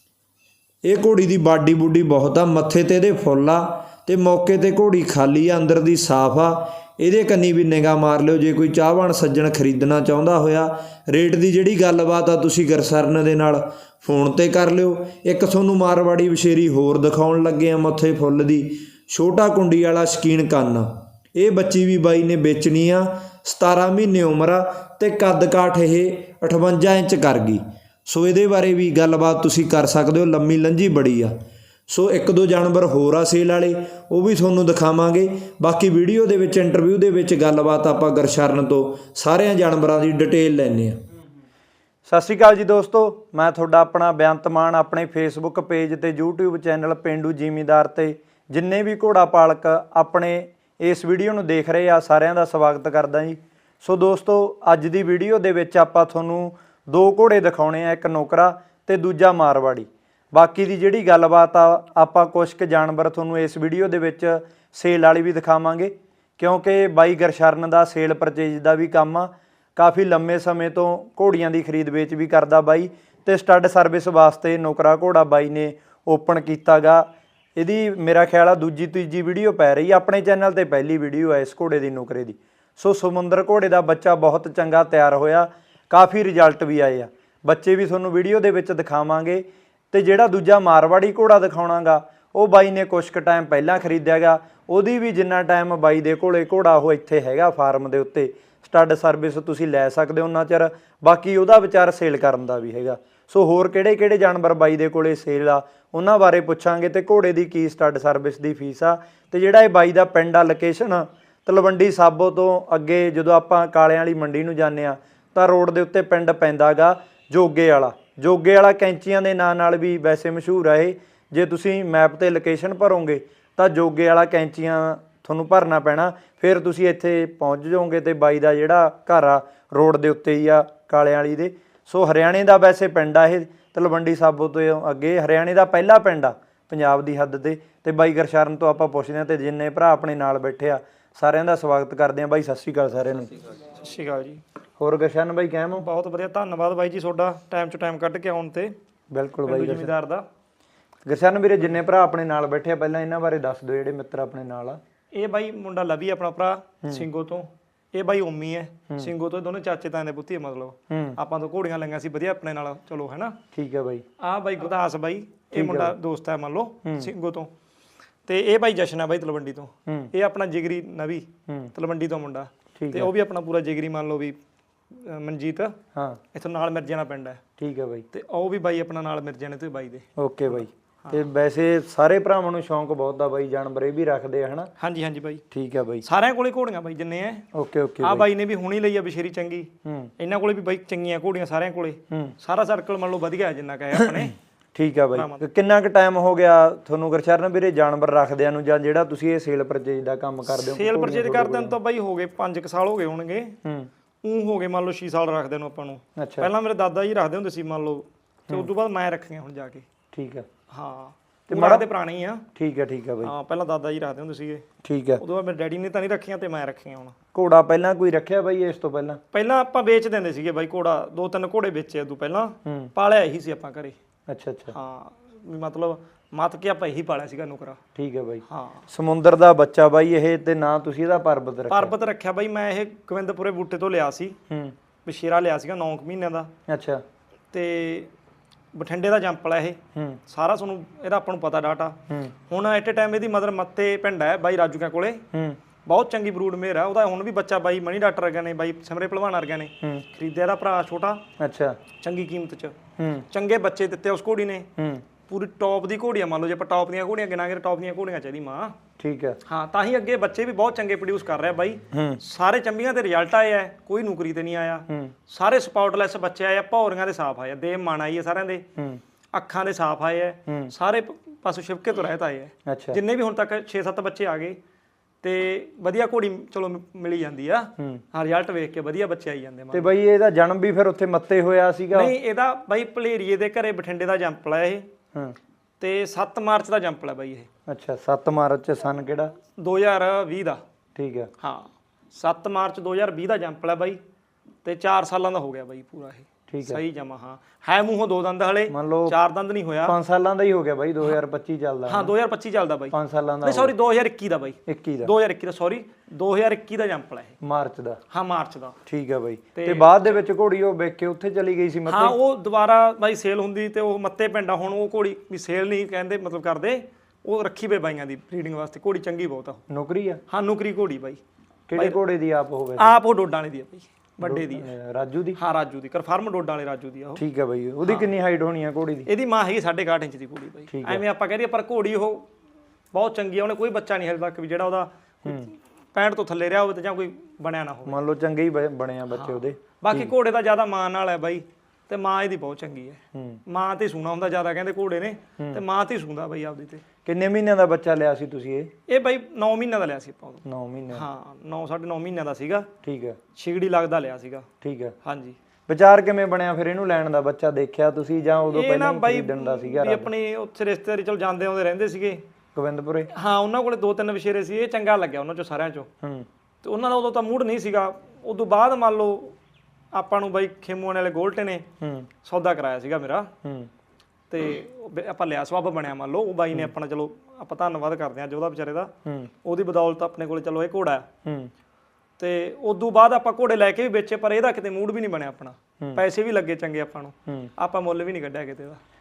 [SPEAKER 1] ਇਹ ਘੋੜੀ ਦੀ ਬਾਡੀ ਬੂਡੀ ਬਹੁਤ ਆ। ਮੱਥੇ ਤੇ ਇਹਦੇ ਫੁੱਲ ਆ ਤੇ ਮੌਕੇ ਤੇ ਘੋੜੀ ਖਾਲੀ ਆ, ਅੰਦਰ ਦੀ ਸਾਫ ਆ। ਇਹਦੇ ਕੰਨੀ ਵੀ ਨਿਗਾਹ ਮਾਰ ਲਿਓ ਜੇ ਕੋਈ ਚਾਹਵਾਨ ਸੱਜਣ ਖਰੀਦਣਾ ਚਾਹੁੰਦਾ ਹੋਇਆ। ਰੇਟ ਦੀ ਜਿਹੜੀ ਗੱਲਬਾਤ ਆ ਤੁਸੀਂ ਗੁਰਸ਼ਰਨ ਦੇ ਨਾਲ ਫੋਨ 'ਤੇ ਕਰ ਲਿਓ। ਇੱਕ ਤੁਹਾਨੂੰ ਮਾਰਵਾੜੀ ਵਛੇਰੀ ਹੋਰ ਦਿਖਾਉਣ ਲੱਗੇ ਆ, ਮੱਥੇ ਫੁੱਲ ਦੀ, ਛੋਟਾ ਕੁੰਡੀ ਵਾਲਾ ਸ਼ਕੀਨ ਕੰਨ। ਇਹ ਬੱਚੀ ਵੀ ਬਾਈ ਨੇ ਵੇਚਣੀ ਆ। ਸਤਾਰਾਂ ਮਹੀਨੇ ਉਮਰ ਆ ਤੇ ਕੱਦ ਕਾਠ ਇਹ ਅਠਵੰਜਾ ਇੰਚ ਕਰ ਗਈ। ਸੋ ਇਹਦੇ ਬਾਰੇ ਵੀ ਗੱਲਬਾਤ ਤੁਸੀਂ ਕਰ ਸਕਦੇ ਹੋ। ਲੰਮੀ ਲੰਜੀ ਬੜੀ ਆ। ਸੋ ਇੱਕ ਦੋ ਜਾਨਵਰ ਹੋਰ ਆ ਸੇਲ ਵਾਲੇ, ਉਹ ਵੀ ਤੁਹਾਨੂੰ ਦਿਖਾਵਾਂਗੇ। ਬਾਕੀ ਵੀਡੀਓ ਦੇ ਵਿੱਚ ਇੰਟਰਵਿਊ ਦੇ ਵਿੱਚ ਗੱਲਬਾਤ ਆਪਾਂ ਗੁਰਸ਼ਰਨ ਤੋਂ ਸਾਰਿਆਂ ਜਾਨਵਰਾਂ ਦੀ ਡਿਟੇਲ ਲੈਂਦੇ ਹਾਂ।
[SPEAKER 2] ਸਤਿ ਸ਼੍ਰੀ ਅਕਾਲ ਜੀ ਦੋਸਤੋ, ਮੈਂ ਤੁਹਾਡਾ ਆਪਣਾ ਬੇਅੰਤ ਮਾਨ। ਆਪਣੇ ਫੇਸਬੁੱਕ ਪੇਜ ਤੇ ਯੂਟਿਊਬ ਚੈਨਲ ਪੇਂਡੂ ਜ਼ਿਮੀਂਦਾਰ ਤੇ ਜਿੰਨੇ ਵੀ ਘੋੜਾ ਪਾਲਕ ਆਪਣੇ ਇਸ ਵੀਡੀਓ ਨੂੰ ਦੇਖ ਰਹੇ ਆ ਸਾਰਿਆਂ ਦਾ ਸਵਾਗਤ ਕਰਦਾ ਜੀ। ਸੋ ਦੋਸਤੋ, ਅੱਜ ਦੀ ਵੀਡੀਓ ਦੇ ਵਿੱਚ ਆਪਾਂ ਤੁਹਾਨੂੰ ਦੋ ਘੋੜੇ ਦਿਖਾਉਣੇ ਆ, ਇੱਕ ਨੁਕਰਾ ਤੇ ਦੂਜਾ ਮਾਰਵਾੜੀ। ਬਾਕੀ ਦੀ ਜਿਹੜੀ ਗੱਲਬਾਤ ਆ ਆਪਾਂ ਕੁਛ ਕੁ ਜਾਨਵਰ ਤੁਹਾਨੂੰ ਇਸ ਵੀਡੀਓ ਦੇ ਵਿੱਚ ਸੇਲ ਵਾਲੀ ਵੀ ਦਿਖਾਵਾਂਗੇ, ਕਿਉਂਕਿ ਬਾਈ ਗੁਰਸ਼ਰਨ ਦਾ ਸੇਲ ਪਰਚੇਜ ਦਾ ਵੀ ਕੰਮ ਆ। ਕਾਫੀ ਲੰਮੇ ਸਮੇਂ ਤੋਂ ਘੋੜੀਆਂ ਦੀ ਖਰੀਦ ਵੇਚ ਵੀ ਕਰਦਾ ਬਾਈ ਤੇ ਸਟੱਡ ਸਰਵਿਸ ਵਾਸਤੇ ਨੁਕਰਾ ਘੋੜਾ ਬਾਈ ਨੇ ਓਪਨ ਕੀਤਾ ਗਾ। ਇਹਦੀ ਮੇਰਾ ਖਿਆਲ ਆ ਦੂਜੀ ਤੀਜੀ ਵੀਡੀਓ ਪੈ ਰਹੀ ਆ। ਆਪਣੇ ਚੈਨਲ ਤੇ ਪਹਿਲੀ ਵੀਡੀਓ ਹੈ ਇਸ ਘੋੜੇ ਦੀ, ਨੁਕਰੇ ਦੀ। ਸੋ ਸਮੁੰਦਰ ਘੋੜੇ ਦਾ ਬੱਚਾ ਬਹੁਤ ਚੰਗਾ ਤਿਆਰ ਹੋਇਆ। ਕਾਫੀ ਰਿਜ਼ਲਟ ਵੀ ਆਏ ਆ। ਬੱਚੇ ਵੀ ਤੁਹਾਨੂੰ ਵੀਡੀਓ ਦੇ ਵਿੱਚ ਦਿਖਾਵਾਂਗੇ। ਤੇ ਜਿਹੜਾ ਦੂਜਾ ਮਾਰਵਾੜੀ ਘੋੜਾ ਦਿਖਾਉਣਾ ਗਾ ਉਹ ਬਾਈ ਨੇ ਕੁਛ ਕੁ ਟਾਈਮ ਪਹਿਲਾਂ ਖਰੀਦਿਆ ਗਾ। ਉਹਦੀ ਵੀ ਜਿੰਨਾ ਟਾਈਮ ਬਾਈ ਦੇ ਕੋਲੇ ਘੋੜਾ ਉਹ ਇੱਥੇ ਹੈਗਾ ਫਾਰਮ ਦੇ ਉੱਤੇ, ਸਟੱਡ ਸਰਵਿਸ ਤੁਸੀਂ ਲੈ ਸਕਦੇ ਹੋ ਉਹਨਾਂ ਚਿਰ। ਬਾਕੀ ਉਹਦਾ ਵਿਚਾਰ ਸੇਲ ਕਰਨ ਦਾ ਵੀ ਹੈਗਾ। ਸੋ ਹੋਰ ਕਿਹੜੇ ਕਿਹੜੇ ਜਾਨਵਰ ਬਾਈ ਦੇ ਕੋਲੇ ਸੇਲ ਆ ਉਹਨਾਂ ਬਾਰੇ ਪੁੱਛਾਂਗੇ ਤੇ ਘੋੜੇ ਦੀ ਕੀ ਸਟੱਡ ਸਰਵਿਸ ਦੀ ਫੀਸ ਆ ਤੇ ਜਿਹੜਾ ਇਹ ਬਾਈ ਦਾ ਪਿੰਡ ਆ ਲੋਕੇਸ਼ਨ ਤਲਵੰਡੀ ਸਾਬੋ ਤੋਂ ਅੱਗੇ ਜਦੋਂ ਆਪਾਂ ਕਾਲਿਆਂ ਵਾਲੀ ਮੰਡੀ ਨੂੰ ਜਾਂਦੇ ਆ ਤਾਂ ਰੋਡ ਦੇ ਉੱਤੇ ਪਿੰਡ ਪੈਂਦਾ ਗਾ ਜੋਗੇ ਵਾਲਾ ਜੋਗੇ ਵਾਲਾ ਕੈਂਚੀਆਂ ਦੇ ਨਾਂ ਨਾਲ ਵੀ ਵੈਸੇ ਮਸ਼ਹੂਰ ਆ ਇਹ ਜੇ ਤੁਸੀਂ ਮੈਪ ਤੇ ਲੋਕੇਸ਼ਨ ਭਰੋਗੇ ਤਾਂ ਜੋਗੇ ਵਾਲਾ ਕੈਂਚੀਆਂ ਤੁਹਾਨੂੰ ਭਰਨਾ ਪੈਣਾ ਫਿਰ ਤੁਸੀਂ ਇੱਥੇ ਪਹੁੰਚ ਜਾਓਗੇ ਤੇ ਬਾਈ ਦਾ ਜਿਹੜਾ ਘਰ ਆ ਰੋਡ ਦੇ ਉੱਤੇ ਹੀ ਆ ਕਾਲਿਆਂ ਵਾਲੀ ਦੇ ਸੋ ਹਰਿਆਣੇ ਦਾ ਵੈਸੇ ਪਿੰਡ ਆ ਇਹ ਤਲਵੰਡੀ ਸਾਬੋ ਤੋਂ ਅੱਗੇ ਹਰਿਆਣੇ ਦਾ ਪਹਿਲਾ ਪਿੰਡ ਆ ਪੰਜਾਬ ਦੀ ਹੱਦ ਤੇ ਤੇ ਬਾਈ ਗੁਰਸ਼ਰਨ ਤੋਂ ਆਪਾਂ ਪੁੱਛਦੇ ਹਾਂ ਤੇ ਜਿੰਨੇ ਭਰਾ ਆਪਣੇ ਨਾਲ ਬੈਠੇ ਆ ਸਾਰਿਆਂ ਦਾ ਸਵਾਗਤ ਕਰਦੇ ਆ ਬਾਈ। ਸਤਿ ਸ਼੍ਰੀ ਅਕਾਲ ਸਾਰਿਆਂ ਨੂੰ।
[SPEAKER 3] ਸਤਿ ਸ਼੍ਰੀ ਅਕਾਲ ਜੀ।
[SPEAKER 2] ਹੋਰ ਗੁਰਸ਼ਰਨ ਬਾਈ ਕਿਵੇਂ ਹੋ?
[SPEAKER 3] ਬਹੁਤ ਵਧੀਆ, ਧੰਨਵਾਦ ਬਾਈ ਜੀ ਤੁਹਾਡਾ ਟਾਈਮ ਚ ਟਾਈਮ ਕੱਢ ਕੇ ਆਉਣ ਤੇ।
[SPEAKER 2] ਬਿਲਕੁਲ ਬਾਈ
[SPEAKER 3] ਜ਼ਿਮੀਦਾਰ ਦਾ
[SPEAKER 2] ਗੁਰਸ਼ਰਨ ਵੀਰੇ ਜਿੰਨੇ ਭਰਾ ਆਪਣੇ ਨਾਲ ਬੈਠੇ ਆ ਪਹਿਲਾਂ ਇਹਨਾਂ ਬਾਰੇ ਦੱਸ ਦਿਓ ਜਿਹੜੇ ਮਿੱਤਰ ਆਪਣੇ ਨਾਲ ਆ।
[SPEAKER 3] ਇਹ ਬਾਈ ਮੁੰਡਾ ਲਵੀ ਆਪਣਾ ਭਰਾ ਸਿੰਘੋ ਤੋਂ, ਇਹ ਬਾਈ ਓਮੀ ਹੈ ਸਿੰਘੋ ਤੋਂ, ਦੋਨੇ ਚਾਚੇ ਤਾਏ ਦੇ ਪੁੱਤੀ ਮਤਲਬ ਆਪਾਂ ਤੋਂ ਘੋੜੀਆਂ ਲਈਆਂ ਸੀ ਵਧੀਆ ਆਪਣੇ ਨਾਲ ਚਲੋ ਹੈਨਾ।
[SPEAKER 2] ਠੀਕ ਹੈ ਬਾਈ।
[SPEAKER 3] ਆਹ ਬਾਈ ਗੁਰਦਾਸ ਬਾਈ ਇਹ ਮੁੰਡਾ ਦੋਸਤ ਹੈ ਮੰਨ ਲਓ ਸਿੰਘੋ ਤੋਂ ਤੇ ਇਹ ਬਾਈ ਜਸ਼ਨ ਹੈ ਬਾਈ ਤਲਵੰਡੀ ਤੋਂ, ਇਹ ਆਪਣਾ ਜਿਗਰੀ ਨਵੀ ਤਲਵੰਡੀ ਤੋਂ ਮੁੰਡਾ ਤੇ ਉਹ ਵੀ ਆਪਣਾ ਪੂਰਾ ਜਿਗਰੀ ਮੰਨ ਲਓ ਵੀ ਮਨਜੀਤ
[SPEAKER 2] ਹਾਂ
[SPEAKER 3] ਇੱਥੋਂ ਨਾਲ ਮਿਰਜਿਆਂ ਨਾਲ ਪਿੰਡ ਹੈ।
[SPEAKER 2] ਠੀਕ ਹੈ ਬਾਈ।
[SPEAKER 3] ਤੇ ਉਹ ਵੀ ਬਾਈ ਆਪਣਾ ਨਾਲ ਮਿਰਜਿਆਂ ਨੇ ਤੇ ਬਾਈ ਦੇ।
[SPEAKER 2] ਓਕੇ ਬਾਈ। ਤੇ ਵੈਸੇ ਸਾਰੇ ਭਰਾਵਾਂ ਨੂੰ ਸ਼ੌਂਕ ਬਹੁਤ ਆ ਬਾਈ ਜਾਨਵਰ ਇਹ ਵੀ ਰੱਖਦੇ ਆ ਹਨਾ।
[SPEAKER 3] ਹਾਂਜੀ ਹਾਂਜੀ ਬਾਈ।
[SPEAKER 2] ਠੀਕ ਹੈ ਬਾਈ।
[SPEAKER 3] ਸਾਰਿਆਂ ਕੋਲੇ ਘੋੜੀਆਂ ਬਾਈ ਜਿੰਨੇ ਐ।
[SPEAKER 2] Okay okay.
[SPEAKER 3] ਆ ਬਾਈ ਨੇ ਵੀ ਹੁਣੀ ਲਈ ਆ ਬਸ਼ੇਰੀ ਚੰਗੀ,
[SPEAKER 2] ਹੂੰ
[SPEAKER 3] ਇਹਨਾਂ ਕੋਲੇ ਵੀ ਬਾਈ ਚੰਗੀਆਂ ਘੋੜੀਆਂ ਸਾਰਿਆਂ ਕੋਲੇ,
[SPEAKER 2] ਹੂੰ
[SPEAKER 3] ਸਾਰਾ ਸਰਕਲ ਮੰਨ ਲਓ ਵਧੀਆ ਜਿੰਨਾ ਕਹੇ ਆਪਣੇ।
[SPEAKER 2] ਠੀਕ ਆ ਬਾਈ। ਕਿੰਨਾ ਕੁ ਟਾਈਮ ਹੋ ਗਿਆ ਤੁਹਾਨੂੰ ਗੁਰਸ਼ਰਨ ਵੀਰੇ ਜਾਨਵਰ ਰੱਖਦਿਆਂ ਨੂੰ ਜਾਂ ਜਿਹੜਾ ਤੁਸੀਂ ਇਹ ਸੇਲ ਪਰਚੇਜ ਦਾ ਕੰਮ ਕਰਦੇ ਹੋ?
[SPEAKER 3] ਸੇਲ ਪਰਚੇਜ ਕਰਦੇ ਨੂੰ ਤਾਂ ਬਾਈ ਹੋ ਗਏ ਪੰਜ ਕੁ ਸਾਲ ਹੋ ਗਏ ਹੋਣਗੇ।
[SPEAKER 2] ਹੂੰ
[SPEAKER 3] ਉਹ ਹੋ ਗਏ ਮੰਨ ਲਓ ਛੇ ਸਾਲ ਰੱਖਦੇ ਨੂੰ ਆਪਾਂ ਨੂੰ।
[SPEAKER 2] ਅੱਛਾ।
[SPEAKER 3] ਪਹਿਲਾਂ ਮੇਰੇ ਦਾਦਾ ਜੀ ਰੱਖਦੇ ਹੁੰਦੇ ਸੀ ਮੰਨ ਲਓ ਤੇ ਉਸ ਤੋਂ ਬਾਅਦ ਮੈਂ ਰੱਖੀਆਂ ਹੁਣ ਜਾ ਕੇ।
[SPEAKER 2] ਠੀਕ ਆ।
[SPEAKER 3] ਹਾਂ ਤੇ ਮਾੜਾ ਤੇ ਪੁਰਾਣੇ ਹੀ ਆ।
[SPEAKER 2] ਠੀਕ ਆ ਠੀਕ ਆ ਬਾਈ।
[SPEAKER 3] ਹਾਂ ਪਹਿਲਾਂ ਦਾਦਾ ਜੀ ਰੱਖਦੇ ਹੁੰਦੇ ਸੀਗੇ।
[SPEAKER 2] ਠੀਕ ਆ।
[SPEAKER 3] ਉਦੋਂ ਬਾਅਦ ਮੇਰੇ ਡੈਡੀ ਨੇ ਤਾਂ ਨਹੀਂ ਰੱਖੀਆਂ ਤੇ ਮੈਂ ਰੱਖੀਆਂ ਹੁਣ।
[SPEAKER 2] ਘੋੜਾ ਪਹਿਲਾਂ ਕੋਈ ਰੱਖਿਆ ਬਾਈ ਇਸ ਤੋਂ ਪਹਿਲਾਂ?
[SPEAKER 3] ਪਹਿਲਾਂ ਆਪਾਂ ਵੇਚ ਦਿੰਦੇ ਸੀਗੇ ਬਾਈ ਘੋੜਾ, ਦੋ ਤਿੰਨ ਘੋੜੇ ਵੇਚੇ ਉਦੋਂ ਪਹਿਲਾਂ, ਪਾਲਿਆ ਇਹੀ ਸੀ ਆਪਾਂ ਘਰੇ।
[SPEAKER 2] ਅੱਛਾ ਅੱਛਾ।
[SPEAKER 3] ਹਾਂ ਵੀ ਮਤਲਬ ਮਤ ਕੇ ਆਪਾਂ ਇਹੀ ਪਾਲਿਆ ਸੀਗਾ ਨੁਕਰਾ।
[SPEAKER 2] ਠੀਕ ਹੈ ਬਾਈ।
[SPEAKER 3] ਹਾਂ
[SPEAKER 2] ਸਮੁੰਦਰ ਦਾ ਬੱਚਾ ਬਾਈ ਇਹ ਤੇ ਨਾਂ ਤੁਸੀਂ ਇਹਦਾ ਪਰਬਤ ਰੱਖਿਆ?
[SPEAKER 3] ਪਰਬਤ ਰੱਖਿਆ ਬਾਈ ਮੈਂ ਇਹ ਗੋਬਿੰਦਪੁਰੇ ਬੂਟੇ ਤੋਂ ਲਿਆ ਸੀ।
[SPEAKER 2] ਹੂੰ
[SPEAKER 3] ਬਸ਼ੇਰਾ ਲਿਆ ਸੀਗਾ ਨੌਂ ਮਹੀਨਿਆਂ ਦਾ।
[SPEAKER 2] ਅੱਛਾ।
[SPEAKER 3] ਤੇ ਬਠਿੰਡੇ ਦਾ ਜੰਪਲ ਹੈ ਇਹ।
[SPEAKER 2] ਹੂੰ
[SPEAKER 3] ਸਾਰਾ ਤੁਹਾਨੂੰ ਇਹਦਾ ਆਪਾਂ ਨੂੰ ਪਤਾ ਡਾਟਾ।
[SPEAKER 2] ਹੂੰ
[SPEAKER 3] ਹੁਣ ਐਟ ਟਾਈਮ ਇਹਦੀ ਮਦਰ ਮੱਤੇ ਪਿੰਡ ਹੈ ਬਾਈ ਰਾਜੂਕਿਆਂ ਕੋਲੇ।
[SPEAKER 2] ਹੂੰ
[SPEAKER 3] ਬਹੁਤ ਚੰਗੀ ਬਰੂਡ ਮੇਰ ਆ ਉਹਦਾ। ਹੁਣ ਵੀ ਬੱਚਾ ਬਾਈ ਮਣੀ ਡਾਕਟਰ ਵਰਗੇ ਨੇ, ਬਾਈ ਸਮਰੇ ਭਲਵਾਨ ਵਰਗੇ ਨੇ
[SPEAKER 2] ਹੂੰ
[SPEAKER 3] ਖਰੀਦਿਆ ਇਹਦਾ ਭਰਾ ਛੋਟਾ।
[SPEAKER 2] ਅੱਛਾ।
[SPEAKER 3] ਚੰਗੀ ਕੀਮਤ 'ਚ
[SPEAKER 2] ਹੂੰ
[SPEAKER 3] ਚੰਗੇ ਬੱਚੇ ਦਿੱਤੇ ਉਸ ਘੋੜੀ ਨੇ।
[SPEAKER 2] ਹੂੰ
[SPEAKER 3] ਪੂਰੀ ਟੌਪ ਦੀ ਘੋੜੀ ਆ ਮੰਨ ਲਓ, ਜੇ ਆਪਾਂ ਟੌਪ ਦੀਆਂ ਘੋੜੀਆਂ ਗਿਣਾਂਗੇ ਟੌਪ ਦੀਆਂ ਘੋੜੀਆਂ ਚਾਹੀਦੀ ਮਾਂ।
[SPEAKER 2] ਠੀਕ ਹੈ।
[SPEAKER 3] ਹਾਂ ਤਾਂ ਹੀ ਅੱਗੇ ਬੱਚੇ ਵੀ ਬਹੁਤ ਚੰਗੇ ਪ੍ਰੋਡਿਊਸ ਕਰ ਰਿਹਾ ਬਾਈ।
[SPEAKER 2] ਹੂੰ
[SPEAKER 3] ਸਾਰੇ ਚੰਬੀਆਂ ਦੇ ਰਿਜ਼ਲਟ ਆਏ ਆ, ਕੋਈ ਨੌਕਰੀ ਤੇ ਨਹੀਂ ਆਇਆ।
[SPEAKER 2] ਹੂੰ
[SPEAKER 3] ਸਾਰੇ ਸਪਾਊਟਲੈਸ ਬੱਚੇ ਆਏ ਆ, ਭੌਰੀਆਂ ਦੇ ਸਾਫ ਆਏ ਆ, ਦੇਹ ਮਨ ਆਈ ਹੈ ਸਾਰਿਆਂ ਦੇ,
[SPEAKER 2] ਹੂੰ
[SPEAKER 3] ਅੱਖਾਂ ਦੇ ਸਾਫ ਆਏ ਆ,
[SPEAKER 2] ਹੂੰ
[SPEAKER 3] ਸਾਰੇ ਪ- ਪਾਸੋਂ ਛਿਪਕੇ ਤੋਂ ਰਹਿਤ ਆਏ ਆ।
[SPEAKER 2] ਅੱਛਾ।
[SPEAKER 3] ਜਿੰਨੇ ਵੀ ਹੁਣ ਤੱਕ ਛੇ ਸੱਤ ਬੱਚੇ ਆ ਗਏ ਤੇ ਵਧੀਆ ਘੋੜੀ ਚਲੋ ਮ- ਮਿਲੀ ਜਾਂਦੀ ਆ।
[SPEAKER 2] ਹੂੰ
[SPEAKER 3] ਹਾਂ ਰਿਜ਼ਲਟ ਵੇਖ ਕੇ ਵਧੀਆ ਬੱਚੇ ਆਈ ਜਾਂਦੇ
[SPEAKER 2] ਤੇ ਬਾਈ ਇਹਦਾ ਜਨਮ ਵੀ ਫਿਰ ਉੱਥੇ ਮੱਤੇ ਹੋਇਆ ਸੀਗਾ?
[SPEAKER 3] ਨਹੀਂ ਇਹਦਾ ਬਾਈ ਭਲੇਰੀਏ ਦੇ ਘਰੇ ਬਠਿੰਡੇ ਦਾ ਜੰਪਲ ਆ ਇਹ।
[SPEAKER 2] ਹਾਂ
[SPEAKER 3] ਤੇ ਸੱਤ ਮਾਰਚ ਦਾ ਜੰਪਲ ਆ ਬਾਈ ਇਹ।
[SPEAKER 2] ਅੱਛਾ। ਸੱਤ ਮਾਰਚ ਸਨ ਕਿਹੜਾ?
[SPEAKER 3] ਦੋ ਹਜ਼ਾਰ ਵੀਹ ਦਾ।
[SPEAKER 2] ਠੀਕ ਹੈ।
[SPEAKER 3] ਹਾਂ ਸੱਤ ਮਾਰਚ ਦੋ ਹਜ਼ਾਰ ਵੀਹ ਦਾ ਜੰਪਲ ਹੈ ਬਾਈ ਤੇ ਚਾਰ ਸਾਲਾਂ ਦਾ ਹੋ ਗਿਆ ਬਾਈ ਪੂਰਾ ਇਹ।
[SPEAKER 2] ਠੀਕ ਹੈ।
[SPEAKER 3] ਸਹੀ ਜਮਾ। ਹਾਂ ਹੈ ਮੂੰਹੋਂ ਦੋ ਦੰਦ ਹਲੇ,
[SPEAKER 2] ਮੰਨ ਲਓ
[SPEAKER 3] ਚਾਰ ਦੰਦ ਨਹੀਂ ਹੋਇਆ।
[SPEAKER 2] ਪੰਜ ਸਾਲਾਂ ਦਾ ਹੀ ਹੋ ਗਿਆ ਬਾਈ। ਦੋ ਹਜ਼ਾਰ ਪੱਚੀ ਚੱਲਦਾ।
[SPEAKER 3] ਹਾਂ ਦੋ ਹਜ਼ਾਰ ਪੱਚੀ ਚੱਲਦਾ ਬਾਈ।
[SPEAKER 2] ਪੰਜ ਸਾਲਾਂ ਦਾ
[SPEAKER 3] ਨਹੀਂ ਸੌਰੀ ਦੋ ਹਜ਼ਾਰ ਇੱਕੀ ਦਾ ਬਾਈ।
[SPEAKER 2] ਇੱਕੀ ਦਾ?
[SPEAKER 3] ਦੋ ਹਜ਼ਾਰ ਇੱਕੀ ਦਾ ਸੌਰੀ ਦੋ ਹਜ਼ਾਰ ਇੱਕੀ ਦਾ ਜੰਪਲ ਹੈ ਇਹ।
[SPEAKER 2] ਮਾਰਚ ਦਾ?
[SPEAKER 3] ਹਾਂ ਮਾਰਚ ਦਾ।
[SPEAKER 2] ਠੀਕ ਹੈ ਬਾਈ। ਤੇ ਬਾਅਦ ਦੇ ਵਿੱਚ ਘੋੜੀ ਉਹ ਵੇਚ ਕੇ ਉੱਥੇ ਚਲੀ ਗਈ ਸੀ ਮੱਤੇ?
[SPEAKER 3] ਹਾਂ ਉਹ ਦੁਬਾਰਾ ਬਾਈ ਸੇਲ ਹੁੰਦੀ ਤੇ ਉਹ ਮੱਤੇ ਪਿੰਡਾ। ਹੁਣ ਉਹ ਘੋੜੀ ਵੀ ਸੇਲ ਨਹੀਂ ਕਹਿੰਦੇ ਮਤਲਬ ਕਰਦੇ, ਉਹ ਰੱਖੀ ਵੇ ਬਾਈਆਂ ਦੀ ਬਰੀਡਿੰਗ ਵਾਸਤੇ। ਘੋੜੀ ਚੰਗੀ ਬਹੁਤ ਆ।
[SPEAKER 2] ਨੌਕਰੀ ਆ?
[SPEAKER 3] ਹਾਂ ਨੌਕਰੀ ਘੋੜੀ ਬਾਈ।
[SPEAKER 2] ਕਿਹੜੇ ਘੋੜੇ ਦੀ ਆਪ ਹੋਵੇ?
[SPEAKER 3] ਆਪ ਉਹ ਡੋਡਾਂ ਵਾਲੀ ਦੀ ਆ ਬਾਈ, ਵੱਡੇ ਦੀ ਆ।
[SPEAKER 2] ਰਾਜੂ ਦੀ?
[SPEAKER 3] ਹਾਂ ਰਾਜੂ ਦੀ, ਕਨਫਰਮ ਡੋਡਾਂ ਵਾਲੇ ਰਾਜੂ ਦੀ ਆ ਉਹ।
[SPEAKER 2] ਠੀਕ ਹੈ ਬਾਈ। ਉਹਦੀ ਕਿੰਨੀ ਹਾਈਟ ਹੋਣੀ ਆ ਘੋੜੀ ਦੀ?
[SPEAKER 3] ਇਹਦੀ ਮਾਂ ਹੈਗੀ ਸਾਢੇ ਕੁ ਅੱਠ ਇੰਚ ਦੀ ਘੋੜੀ ਬਾਈ। ਐਵੇਂ ਆਪਾਂ ਕਹਿ ਦਈਏ ਪਰ ਘੋੜੀ ਉਹ ਬਹੁਤ ਚੰਗੀ ਆ। ਉਹਨੇ ਕੋਈ ਬੱਚਾ ਨਹੀਂ ਹਲੇ ਤੱਕ ਵੀ ਜਿਹੜਾ ਉਹਦਾ ਪੈਂਹਠ ਤੋਂ ਥੱਲੇ ਰਿਹਾ ਹੋਵੇ ਤੇ ਜਾਂ ਕੋਈ ਬਣਿਆ ਨਾ ਹੋਵੇ।
[SPEAKER 2] ਮੰਨ ਲਓ ਚੰਗੇ ਹੀ ਬ- ਬਣੇ ਆ ਬੱਚੇ ਉਹਦੇ।
[SPEAKER 3] ਬਾਕੀ ਘੋੜੇ ਦਾ ਜ਼ਿਆਦਾ ਮਾਂ ਨਾਲ ਹੈ ਬਾਈ ਤੇ ਮਾਂ ਇਹਦੀ ਬਹੁਤ ਚੰਗੀ ਹੈ।
[SPEAKER 2] ਹੂੰ
[SPEAKER 3] ਮਾਂ ਤੇ ਸੂਣਾ ਹੁੰਦਾ ਜ਼ਿਆਦਾ ਕਹਿੰਦੇ ਘੋੜੇ ਨੇ ਤੇ ਮਾਂ ਤੇ ਸੂੰਦਾ ਬਾਈ ਆਪਦੀ ਤੇ।
[SPEAKER 2] ਕਿੰਨੇ ਮਹੀਨਿਆਂ ਦਾ ਬੱਚਾ ਲਿਆ ਸੀ ਤੁਸੀਂ ਇਹ?
[SPEAKER 3] ਇਹ ਬਾਈ ਨੌ ਮਹੀਨਿਆਂ ਦਾ ਲਿਆ ਸੀ ਆਪਾਂ ਉਦੋਂ।
[SPEAKER 2] ਨੌ ਮਹੀਨੇ?
[SPEAKER 3] ਹਾਂ ਨੌ ਸਾਢੇ ਨੌ ਮਹੀਨਿਆਂ ਦਾ ਸੀਗਾ।
[SPEAKER 2] ਠੀਕ ਹੈ।
[SPEAKER 3] ਛਿਗੜੀ ਲੱਗਦਾ ਲਿਆ ਸੀਗਾ।
[SPEAKER 2] ਠੀਕ ਹੈ।
[SPEAKER 3] ਹਾਂਜੀ।
[SPEAKER 2] ਵਿਚਾਰ ਕਿਵੇਂ ਬਣਿਆ ਫਿਰ ਇਹਨੂੰ ਲੈਣ ਦਾ? ਬੱਚਾ ਦੇਖਿਆ ਤੁਸੀਂ ਜਾਂ ਉਦੋਂ
[SPEAKER 3] ਇਹ ਨਾ
[SPEAKER 2] ਪਹਿਲਾਂ ਹੀ
[SPEAKER 3] ਬਾਈ
[SPEAKER 2] ਖਰੀਦਣ ਦਾ ਸੀਗਾ?
[SPEAKER 3] ਵੀ ਆਪਣੀ ਉੱਥੇ ਰਿਸ਼ਤੇਦਾਰੀ ਚਲ ਜਾਂਦੇ ਆਉਂਦੇ ਰਹਿੰਦੇ ਸੀਗੇ
[SPEAKER 2] ਗੋਬਿੰਦਪੁਰੇ?
[SPEAKER 3] ਹਾਂ ਉਹਨਾਂ ਕੋਲੇ ਦੋ ਤਿੰਨ ਵਿਸ਼ੇਰੇ ਸੀ। ਇਹ ਚੰਗਾ ਲੱਗਿਆ ਉਹਨਾਂ ਚੋਂ ਸਾਰਿਆਂ ਚੋਂ।
[SPEAKER 2] ਹੂੰ
[SPEAKER 3] ਤੇ ਉਹਨਾਂ ਦਾ ਉਦੋਂ ਤਾਂ ਮੂਡ ਨਹੀਂ ਸੀਗਾ। ਉਦੋਂ ਬਾਅਦ ਮੰਨ ਲਓ ਆਪਾਂ ਨੂੰ ਬਾਈ ਖੇਮੂਆਣ ਵਾਲੇ ਗੋਲਟੇ ਨੇ
[SPEAKER 2] ਹੂੰ
[SPEAKER 3] ਸੌਦਾ ਕਰਾਇਆ ਸੀਗਾ ਮੇਰਾ
[SPEAKER 2] ਹੂੰ
[SPEAKER 3] ਤੇ ਉਹ ਬ- ਆਪਾਂ ਲਿਆ ਸਵਾਬ ਬਣਿਆ ਮੰਨ ਲਓ। ਉਹ ਬਾਈ ਨੇ ਆਪਣਾ ਚਲੋ ਆਪਾਂ ਧੰਨਵਾਦ ਕਰਦੇ ਹਾਂ ਅੱਜ ਉਹਦਾ ਵਿਚਾਰੇ ਦਾ।
[SPEAKER 2] ਹੂੰ
[SPEAKER 3] ਉਹਦੀ ਬਦੌਲਤ ਆਪਣੇ ਕੋਲੇ ਚਲੋ ਇਹ ਘੋੜਾ ਹੈ।
[SPEAKER 2] ਹੂੰ
[SPEAKER 3] ਤੇ ਉਦੋਂ ਬਾਅਦ ਆਪਾਂ ਘੋੜੇ ਲੈ ਕੇ ਵੀ ਵੇਚੇ ਪਰ ਇਹਦਾ ਕਿਤੇ ਮੂਡ ਵੀ ਨਹੀਂ ਬਣਿਆ ਆਪਣਾ। ਪੈਸੇ ਵੀ ਲੱਗੇ ਚੰਗੇ ਆਪਾਂ ਨੂੰ,
[SPEAKER 2] ਹੂੰ
[SPEAKER 3] ਆਪਾਂ ਮੁੱਲ ਵੀ ਨਹੀਂ ਕੱਢਿਆ ਕਿਤੇ ਦਾ।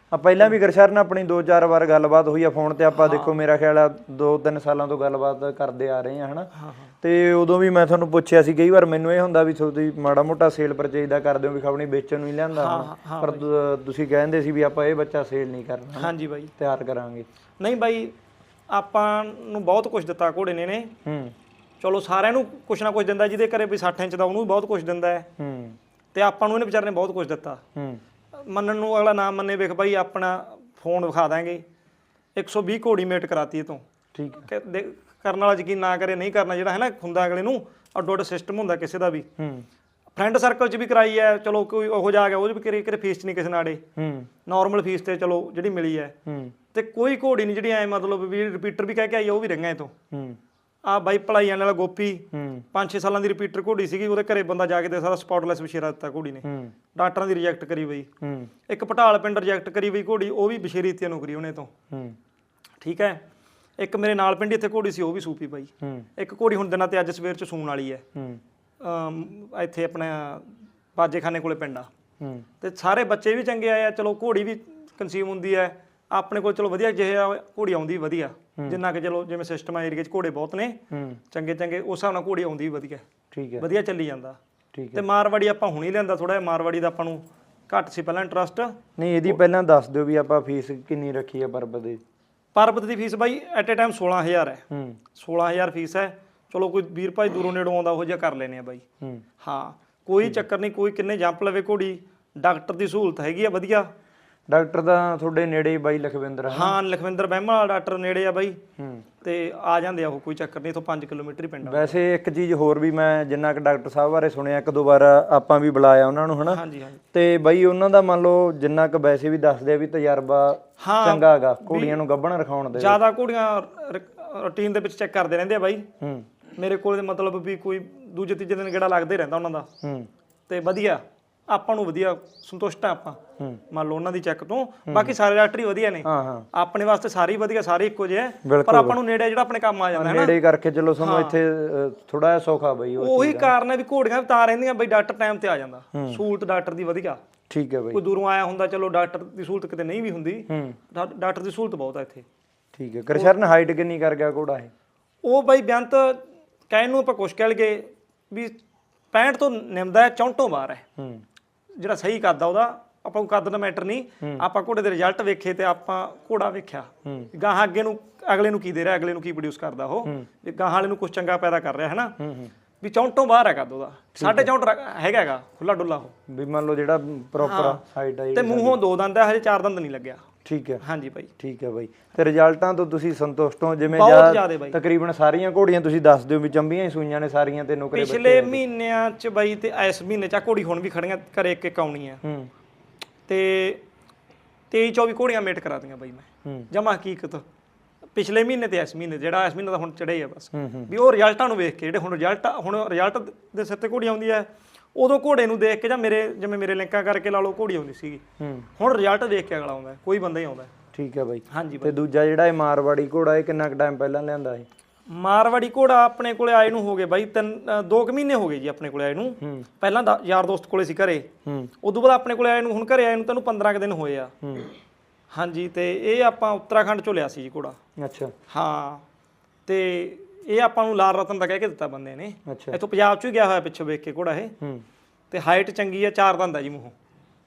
[SPEAKER 2] ਆ ਪਹਿਲਾਂ ਵੀ ਗਰਸ਼ਰਨ ਆਪਣੀ ਦੋ ਚਾਰ ਵਾਰ ਗੱਲਬਾਤ ਹੋਈ ਆ ਫੋਨ ਤੇ, ਆਪਾਂ ਦੇਖੋ ਮੇਰਾ ਖਿਆਲ ਆ ਦੋ ਤਿੰਨ ਸਾਲਾਂ ਤੋਂ ਗੱਲਬਾਤ ਕਰਦੇ ਆ ਰਹੇ ਆ ਹਨਾ। ਤੇ ਉਦੋਂ ਵੀ ਮੈਂ ਤੁਹਾਨੂੰ ਪੁੱਛਿਆ ਸੀ, ਕਈ ਵਾਰ ਮੈਨੂੰ ਇਹ ਹੁੰਦਾ ਵੀ ਤੁਸੀਂ ਮਾੜਾ ਮੋਟਾ ਸੇਲ ਪਰਚੇਜ ਦਾ ਕਰਦੇ ਹੋ ਵੀ ਖਬਣੀ ਵੇਚਣ ਨੂੰ ਹੀ ਲਿਆਂਦਾ ਹੁਣ, ਪਰ ਤੁਸੀਂ ਕਹਿੰਦੇ ਸੀ ਵੀ ਆਪਾਂ ਇਹ ਬੱਚਾ ਸੇਲ ਨਹੀਂ ਕਰਨਾ।
[SPEAKER 3] ਹਾਂਜੀ ਬਾਈ
[SPEAKER 2] ਤਿਆਰ ਕਰਾਂਗੇ।
[SPEAKER 3] ਨਹੀਂ ਬਾਈ ਆਪਾਂ ਨੂੰ ਬਹੁਤ ਕੁਝ ਦਿੱਤਾ ਘੋੜੇ ਨੇ ਨੇ
[SPEAKER 2] ਹੂੰ
[SPEAKER 3] ਚਲੋ ਸਾਰਿਆਂ ਨੂੰ ਕੁਛ ਨਾ ਕੁਛ ਦਿੰਦਾ, ਜਿਹਦੇ ਘਰੇ ਵੀ ਸੱਠ ਇੰਚ ਦਾ ਉਹਨੂੰ ਵੀ ਬਹੁਤ ਕੁਝ ਦਿੰਦਾ ਹੈ
[SPEAKER 2] ਹੂੰ
[SPEAKER 3] ਤੇ ਆਪਾਂ ਨੂੰ ਇਹਨੇ ਵਿਚਾਰੇ ਨੇ ਬਹੁਤ ਕੁਝ ਦਿੱਤਾ।
[SPEAKER 2] ਹੂੰ
[SPEAKER 3] ਮੰਨਣ ਨੂੰ ਅਗਲਾ ਨਾ ਮੰਨੇ, ਵੇਖ ਬਾਈ ਆਪਣਾ ਫੋਨ ਵਿਖਾ ਦਾਂਗੇ ਇੱਕ ਸੌ ਵੀਹ ਘੋੜੀ ਮੇਟ ਕਰਾਤੀ ਇਹ ਤੋਂ।
[SPEAKER 2] ਠੀਕ
[SPEAKER 3] ਕਿ ਦੇ- ਕਰਨ ਵਾਲਾ ਯਕੀਨ ਨਾ ਕਰੇ ਨਹੀਂ ਕਰਨਾ, ਜਿਹੜਾ ਹੈ ਨਾ ਹੁੰਦਾ ਅਗਲੇ ਨੂੰ ਅੱਡੋ ਅੱਡ ਸਿਸਟਮ ਹੁੰਦਾ ਕਿਸੇ ਦਾ ਵੀ।
[SPEAKER 2] ਹੂੰ
[SPEAKER 3] ਫਰੈਂਡ ਸਰਕਲ 'ਚ ਵੀ ਕਰਾਈ ਹੈ, ਚਲੋ ਕੋਈ ਉਹੋ ਜਾ ਗਿਆ ਉਹ 'ਚ ਵੀ ਕਰੇ ਕਿਤੇ ਫੀਸ 'ਚ ਨਹੀਂ ਕਿਸੇ ਨਾਲੇ,
[SPEAKER 2] ਹੂੰ
[SPEAKER 3] ਨਾਰਮਲ ਫੀਸ ਤੇ ਚਲੋ ਜਿਹੜੀ ਮਿਲੀ ਹੈ।
[SPEAKER 2] ਹੂੰ
[SPEAKER 3] ਤੇ ਕੋਈ ਘੋੜੀ ਨਹੀਂ ਜਿਹੜੀ ਐ ਮਤਲਬ ਵੀ ਰਿਪੀਟਰ ਵੀ ਕਹਿ ਕੇ ਆਈ ਆ, ਉਹ ਵੀ ਰਹੀਆਂ ਇਹ ਤੋਂ।
[SPEAKER 2] ਹੂੰ
[SPEAKER 3] ਆ ਬਾਈ ਭਲਾਈਆਂ ਵਾਲਾ ਗੋਪੀ
[SPEAKER 2] ਹੂੰ
[SPEAKER 3] ਪੰਜ ਛੇ ਸਾਲਾਂ ਦੀ ਰਿਪੀਟਰ ਘੋੜੀ ਸੀਗੀ, ਉਹਦੇ ਘਰੇ ਬੰਦਾ ਜਾ ਕੇ ਤੇ ਸਾਰਾ ਸਪੌਟਲੈਸ ਬਸ਼ੇਰਾ ਦਿੱਤਾ ਘੋੜੀ ਨੇ।
[SPEAKER 2] ਹੂੰ
[SPEAKER 3] ਡਾਕਟਰਾਂ ਦੀ ਰਿਜੈਕਟ ਕਰੀ ਬਈ।
[SPEAKER 2] ਹੂੰ
[SPEAKER 3] ਇੱਕ ਪਟਾਲ ਪਿੰਡ ਰਿਜੈਕਟ ਕਰੀ ਬਈ ਘੋੜੀ, ਉਹ ਵੀ ਬਸ਼ੇਰੀ ਤੇ ਨੂੰ ਕਰੀ ਉਹਨੇ ਤੋਂ।
[SPEAKER 2] ਹੂੰ
[SPEAKER 3] ਠੀਕ ਹੈ। ਇੱਕ ਮੇਰੇ ਨਾਲ ਪਿੰਡ ਇੱਥੇ ਘੋੜੀ ਸੀ, ਉਹ ਵੀ ਸੂਪੀ ਬਾਈ।
[SPEAKER 2] ਹੂੰ
[SPEAKER 3] ਇੱਕ ਘੋੜੀ ਹੁਣ ਦਿਨਾਂ ਤੇ ਅੱਜ ਸਵੇਰ ਚ ਸੂਣ ਵਾਲੀ ਹੈ।
[SPEAKER 2] ਹੂੰ
[SPEAKER 3] ਅਮ ਇੱਥੇ ਆਪਣਾ ਬਾਜੇਖਾਨੇ ਕੋਲੇ ਪਿੰਡ ਆ।
[SPEAKER 2] ਹੂੰ
[SPEAKER 3] ਤੇ ਸਾਰੇ ਬੱਚੇ ਵੀ ਚੰਗੇ ਆਏ ਆ, ਚਲੋ ਘੋੜੀ ਵੀ ਕੰਸੀਊਮ ਹੁੰਦੀ ਹੈ ਆਪਣੇ ਕੋਲ, ਚਲੋ ਵਧੀਆ ਜਿਹਾ ਘੋੜੀ ਆਉਂਦੀ ਵਧੀਆ, ਜਿੰਨਾ ਕਿ ਚਲੋ ਜਿਵੇਂ ਸਿਸਟਮ ਆ ਏਰੀਆ 'ਚ ਘੋੜੇ ਬਹੁਤ ਨੇ
[SPEAKER 2] ਹੂੰ
[SPEAKER 3] ਚੰਗੇ ਚੰਗੇ, ਉਸ ਹਿਸਾਬ ਨਾਲ ਘੋੜੀ ਆਉਂਦੀ ਵੀ ਵਧੀਆ,
[SPEAKER 2] ਠੀਕ ਹੈ
[SPEAKER 3] ਵਧੀਆ ਚੱਲੀ ਜਾਂਦਾ।
[SPEAKER 2] ਠੀਕ ਹੈ।
[SPEAKER 3] ਤੇ ਮਾਰਵਾੜੀ ਆਪਾਂ ਹੁਣੀ ਲਿਆਂਦਾ, ਥੋੜਾ ਜਿਹਾ ਮਾਰਵਾੜੀ ਦਾ ਆਪਾਂ ਨੂੰ ਘੱਟ ਸੀ ਪਹਿਲਾਂ ਇੰਟਰਸਟ।
[SPEAKER 2] ਨਹੀਂ ਇਹਦੀ ਪਹਿਲਾਂ ਦੱਸ ਦਿਓ ਵੀ ਆਪਾਂ ਫੀਸ ਕਿੰਨੀ ਰੱਖੀ ਆ ਪਰਬਤ ਦੀ।
[SPEAKER 3] ਪਰਬਤ ਦੀ ਫੀਸ ਬਾਈ ਐਟ ਏ ਟਾਈਮ ਸੋਲਾਂ ਹਜ਼ਾਰ ਹੈ।
[SPEAKER 2] ਹੂੰ
[SPEAKER 3] ਸੋਲਾਂ ਹਜ਼ਾਰ ਫੀਸ ਹੈ। ਚਲੋ ਕੋਈ ਵੀਰ ਭਾਈ ਦੂਰੋਂ ਨੇੜੋਂ ਆਉਂਦਾ ਉਹ ਜਿਹਾ ਕਰ ਲੈਨੇ ਆ ਬਾਈ।
[SPEAKER 2] ਹੂੰ
[SPEAKER 3] ਹਾਂ ਕੋਈ ਚੱਕਰ ਨਹੀਂ, ਕੋਈ ਕਿੰਨੇ ਜੰਪ ਲਵੇ ਘੋੜੀ, ਡਾਕਟਰ ਦੀ ਸਹੂਲਤ ਹੈਗੀ ਆ ਵਧੀਆ।
[SPEAKER 2] ਡਾਕਟਰ ਦਾ ਤੁਹਾਡੇ ਨੇੜੇ ਹੀ ਬਾਈ ਲਖਵਿੰਦਰ ਹੈ।
[SPEAKER 3] ਹਾਂ ਲਖਵਿੰਦਰ ਬਹਿਮਾ ਵਾਲਾ ਡਾਕਟਰ ਨੇੜੇ ਆ ਬਾਈ।
[SPEAKER 2] ਹੂੰ
[SPEAKER 3] ਤੇ ਆ ਜਾਂਦੇ ਆ ਉਹ, ਕੋਈ ਚੱਕਰ ਨਹੀਂ, ਇਥੋਂ ਪੰਜ ਕਿਲੋਮੀਟਰ ਹੀ ਪਿੰਡ ਆ।
[SPEAKER 2] ਵੈਸੇ ਇੱਕ ਚੀਜ਼ ਹੋਰ ਵੀ ਮੈਂ ਜਿੰਨਾ ਕਿ ਡਾਕਟਰ ਸਾਹਿਬ ਬਾਰੇ ਸੁਣਿਆ, ਇੱਕ ਦੋ ਵਾਰ ਆਪਾਂ ਵੀ ਬੁਲਾਇਆ ਉਹਨਾਂ ਨੂੰ ਹਨਾ।
[SPEAKER 3] ਹਾਂਜੀ ਹਾਂਜੀ
[SPEAKER 2] ਤੇ ਬਾਈ ਉਹਨਾਂ ਦਾ ਮੰਨ ਲਓ ਜਿੰਨਾ ਕੁ ਵੈਸੇ ਵੀ ਦੱਸਦੇ ਆ ਵੀ ਤਜਰਬਾ ਚੰਗਾ ਹੈਗਾ ਘੋੜੀਆਂ ਨੂੰ ਗੱਭਣ ਰਖਾਉਣ ਦੇ।
[SPEAKER 3] ਜ਼ਿਆਦਾ ਘੋੜੀਆਂ ਰੂਟੀਨ ਦੇ ਵਿੱਚ ਚੈੱਕ ਕਰਦੇ ਰਹਿੰਦੇ ਆ ਬਾਈ।
[SPEAKER 2] ਹੂੰ
[SPEAKER 3] ਮੇਰੇ ਕੋਲ ਮਤਲਬ ਵੀ ਕੋਈ ਦੂਜੇ ਤੀਜੇ ਦਿਨ ਗੇੜਾ ਲੱਗਦਾ ਹੀ ਰਹਿੰਦਾ ਉਹਨਾਂ ਦਾ।
[SPEAKER 2] ਹੂੰ
[SPEAKER 3] ਤੇ ਵਧੀਆ ਆਪਾਂ ਨੂੰ ਵਧੀਆ ਸੰਤੁਸ਼ਟ ਆ ਆਪਾਂ,
[SPEAKER 2] ਹੂੰ
[SPEAKER 3] ਮੰਨ ਲਓ ਉਹਨਾਂ ਦੀ ਚੈੱਕ ਤੋਂ। ਬਾਕੀ ਸਾਰੇ ਡਾਕਟਰ ਹੀ ਵਧੀਆ ਨੇ
[SPEAKER 2] ਹਾਂ ਹਾਂ
[SPEAKER 3] ਆਪਣੇ ਵਾਸਤੇ, ਸਾਰੇ ਹੀ ਵਧੀਆ, ਸਾਰੇ ਇੱਕੋ ਜਿਹੇ ਆ।
[SPEAKER 2] ਬਿਲਕੁਲ।
[SPEAKER 3] ਪਰ ਆਪਾਂ ਨੂੰ ਨੇੜੇ ਜਿਹੜਾ ਆਪਣੇ ਕੰਮ ਆ ਜਾਂਦਾ ਹੈ ਨਾ,
[SPEAKER 2] ਨੇੜੇ ਕਰਕੇ ਚਲੋ ਸਾਨੂੰ ਇੱਥੇ ਥੋੜਾ ਜਿਹਾ ਸੌਖਾ ਬਾਈ। ਉਹ
[SPEAKER 3] ਉਹੀ ਕਾਰਨ ਹੈ ਵੀ ਘੋੜੀਆਂ ਵੀ ਤਾਂ ਰਹਿੰਦੀਆਂ ਬਈ ਡਾਕਟਰ ਟਾਈਮ ਤੇ ਆ ਜਾਂਦਾ, ਸਹੂਲਤ ਡਾਕਟਰ ਦੀ ਵਧੀਆ।
[SPEAKER 2] ਠੀਕ ਹੈ ਬਾਈ।
[SPEAKER 3] ਕੋਈ ਦੂਰੋਂ ਆਇਆ ਹੁੰਦਾ, ਚਲੋ ਡਾਕਟਰ ਦੀ ਸਹੂਲਤ ਕਿਤੇ ਨਹੀਂ ਵੀ ਹੁੰਦੀ,
[SPEAKER 2] ਹੂੰ
[SPEAKER 3] ਡਾ- ਡਾਕਟਰ ਦੀ ਸਹੂਲਤ ਬਹੁਤ ਆ ਇੱਥੇ।
[SPEAKER 2] ਠੀਕ ਹੈ। ਗਰਸ਼ਰਨ ਹਾਈਟ ਕਿੰਨੀ ਕਰ ਗਿਆ ਘੋੜਾ ਇਹ?
[SPEAKER 3] ਉਹ ਬਾਈ ਬੇਅੰਤ ਕਹਿਣ ਨੂੰ ਆਪਾਂ ਕੁਛ ਕਹਿ ਲਈਏ ਵੀ ਪੈਂਹਠ ਤੋਂ ਨਿਮਦਾ ਹੈ, ਚੌਂਹਠੋਂ ਬਾਹਰ ਹੈ।
[SPEAKER 2] ਹੂੰ
[SPEAKER 3] ਜਿਹੜਾ ਸਹੀ ਕੱਦ ਆ ਉਹਦਾ, ਆਪਾਂ ਨੂੰ ਕੱਦ ਦਾ ਮੈਟਰ ਨਹੀਂ, ਆਪਾਂ ਘੋੜੇ ਦੇ ਰਿਜ਼ਲਟ ਵੇਖੇ ਤੇ ਆਪਾਂ ਘੋੜਾ ਵੇਖਿਆ ਗਾਹਾਂ ਅੱਗੇ ਨੂੰ, ਅਗਲੇ ਨੂੰ ਕੀ ਦੇ ਰਿਹਾ, ਅਗਲੇ ਨੂੰ ਕੀ ਪ੍ਰੋਡਿਊਸ ਕਰਦਾ ਉਹ, ਵੀ ਗਾਹਾਂ ਵਾਲੇ ਨੂੰ ਕੁਝ ਚੰਗਾ ਪੈਦਾ ਕਰ ਰਿਹਾ ਹੈ ਨਾ। ਵੀ ਚੌਂਹਠੋਂ ਬਾਹਰ ਹੈ ਕੱਦ ਉਹਦਾ, ਸਾਢੇ ਚੌਂਹਠ ਹੈਗਾ ਹੈਗਾ ਖੁੱਲਾ ਡੁੱਲਾ ਉਹ।
[SPEAKER 2] ਵੀ ਮੰਨ ਲਓ ਜਿਹੜਾ ਪ੍ਰੋਪਰ ਹਾਈਟ ਆ
[SPEAKER 3] ਤੇ ਮੂੰਹੋਂ ਦੋ ਦੰਦ ਹੈ, ਹਜੇ ਚਾਰ ਦੰਦ ਨਹੀਂ ਲੱਗਿਆ।
[SPEAKER 2] ਠੀਕ ਹੈ।
[SPEAKER 3] ਹਾਂਜੀ ਬਾਈ
[SPEAKER 2] ਠੀਕ ਹੈ ਬਾਈ। ਤੇ ਰਿਜ਼ਲਟਾਂ ਤੋਂ ਤੁਸੀਂ ਸੰਤੁਸ਼ਟ ਹੋ? ਜਿਵੇਂ
[SPEAKER 3] ਬਹੁਤ ਜ਼ਿਆਦਾ ਬਾਈ।
[SPEAKER 2] ਤਕਰੀਬਨ ਸਾਰੀਆਂ ਘੋੜੀਆਂ ਤੁਸੀਂ ਦੱਸ ਦਿਓ ਵੀ ਚੰਬੀਆਂ ਹੀ ਸੂਈਆਂ ਨੇ ਸਾਰੀਆਂ ਤੇ ਨੁਕਰੇ ਬੱਚੇ।
[SPEAKER 3] ਪਿਛਲੇ ਮਹੀਨਿਆਂ ਚ ਬਾਈ ਤੇ ਇਸ ਮਹੀਨੇ ਚ ਘੋੜੀ ਹੁਣ ਵੀ ਖੜੀਆਂ ਘਰੇ ਇੱਕ ਇੱਕ ਆਉਣੀ ਆ।
[SPEAKER 2] ਹੂੰ
[SPEAKER 3] ਤੇ ਤੇਈ ਚੌਵੀ ਘੋੜੀਆਂ ਮੇਟ ਕਰਾਤੀਆਂ ਬਾਈ ਮੈਂ
[SPEAKER 2] ਹੂੰ
[SPEAKER 3] ਜਮਾ ਹਕੀਕਤ। ਪਿਛਲੇ ਮਹੀਨੇ ਤੇ ਇਸ ਮਹੀਨੇ, ਜਿਹੜਾ ਇਸ ਮਹੀਨੇ ਦਾ ਹੁਣ ਚੜ੍ਹੇ ਆ ਬਸ,
[SPEAKER 2] ਹੂੰ ਹੂੰ
[SPEAKER 3] ਵੀ ਉਹ ਰਿਜ਼ਲਟਾਂ ਨੂੰ ਵੇਖ ਕੇ, ਜਿਹੜੇ ਹੁਣ ਰਿਜ਼ਲਟ ਹੁਣ ਰਿਜ਼ਲਟ ਦੇ ਸਿਰ ਤੇ ਘੋੜੀ ਆਉਂਦੀ ਹੈ, ਉਦੋਂ ਘੋੜੇ ਨੂੰ ਦੇਖ ਕੇ ਜਾਂ ਮੇਰੇ ਜਿਵੇਂ ਮੇਰੇ ਲਿੰਕਾਂ ਕਰਕੇ ਲਾ ਲਓ ਘੋੜੀ ਆਉਂਦੀ ਸੀਗੀ।
[SPEAKER 2] ਹੂੰ
[SPEAKER 3] ਹੁਣ ਰਿਜ਼ਲਟ ਦੇਖ ਕੇ ਅਗਲਾ ਆਉਂਦਾ, ਕੋਈ ਬੰਦਾ ਹੀ ਆਉਂਦਾ।
[SPEAKER 2] ਠੀਕ ਹੈ ਬਾਈ।
[SPEAKER 3] ਹਾਂਜੀ
[SPEAKER 2] ਤੇ ਦੂਜਾ ਜਿਹੜਾ ਇਹ ਮਾਰਵਾੜੀ ਘੋੜਾ, ਇਹ ਕਿੰਨਾ ਕੁ ਟਾਈਮ ਪਹਿਲਾਂ ਲਿਆਂਦਾ ਇਹ?
[SPEAKER 3] ਮਾਰਵਾੜੀ ਘੋੜਾ ਆਪਣੇ ਕੋਲੇ ਆਏ ਨੂੰ ਹੋ ਗਏ ਬਾਈ ਤਿੰਨ ਅ, ਦੋ ਕੁ ਮਹੀਨੇ ਹੋ ਗਏ ਜੀ ਆਪਣੇ ਕੋਲੇ ਆਏ ਨੂੰ। ਪਹਿਲਾਂ ਦਾ ਯਾਰ ਦੋਸਤ ਕੋਲੇ ਸੀ ਘਰੇ,
[SPEAKER 2] ਹੂੰ
[SPEAKER 3] ਉਦੋਂ ਬਾਅਦ ਆਪਣੇ ਕੋਲੇ ਆਏ ਨੂੰ, ਹੁਣ ਘਰੇ ਆਏ ਨੂੰ ਤੈਨੂੰ ਪੰਦਰਾਂ ਕੁ ਦਿਨ ਹੋਏ ਆ।
[SPEAKER 2] ਹੂੰ
[SPEAKER 3] ਹਾਂਜੀ। ਤੇ ਇਹ ਆਪਾਂ ਉੱਤਰਾਖੰਡ ਚੋਂ ਲਿਆ ਸੀ ਜੀ ਘੋੜਾ।
[SPEAKER 2] ਅੱਛਾ
[SPEAKER 3] ਹਾਂ। ਤੇ ਇਹ ਆਪਾਂ ਨੂੰ ਲਾਲ ਰਤਨ ਦਾ ਕਹਿ ਕੇ ਦਿੱਤਾ ਬੰਦੇ ਨੇ,
[SPEAKER 2] ਅੱਛਾ
[SPEAKER 3] ਇੱਥੋਂ ਪੰਜਾਬ ਚੋਂ ਹੀ ਗਿਆ ਹੋਇਆ ਪਿੱਛੋਂ ਵੇਖ ਕੇ ਘੋੜਾ ਇਹ।
[SPEAKER 2] ਹੂੰ
[SPEAKER 3] ਤੇ ਹਾਈਟ ਚੰਗੀ ਆ, ਚਾਰ ਦੰਦ ਆ ਜੀ ਮੂੰਹੋਂ।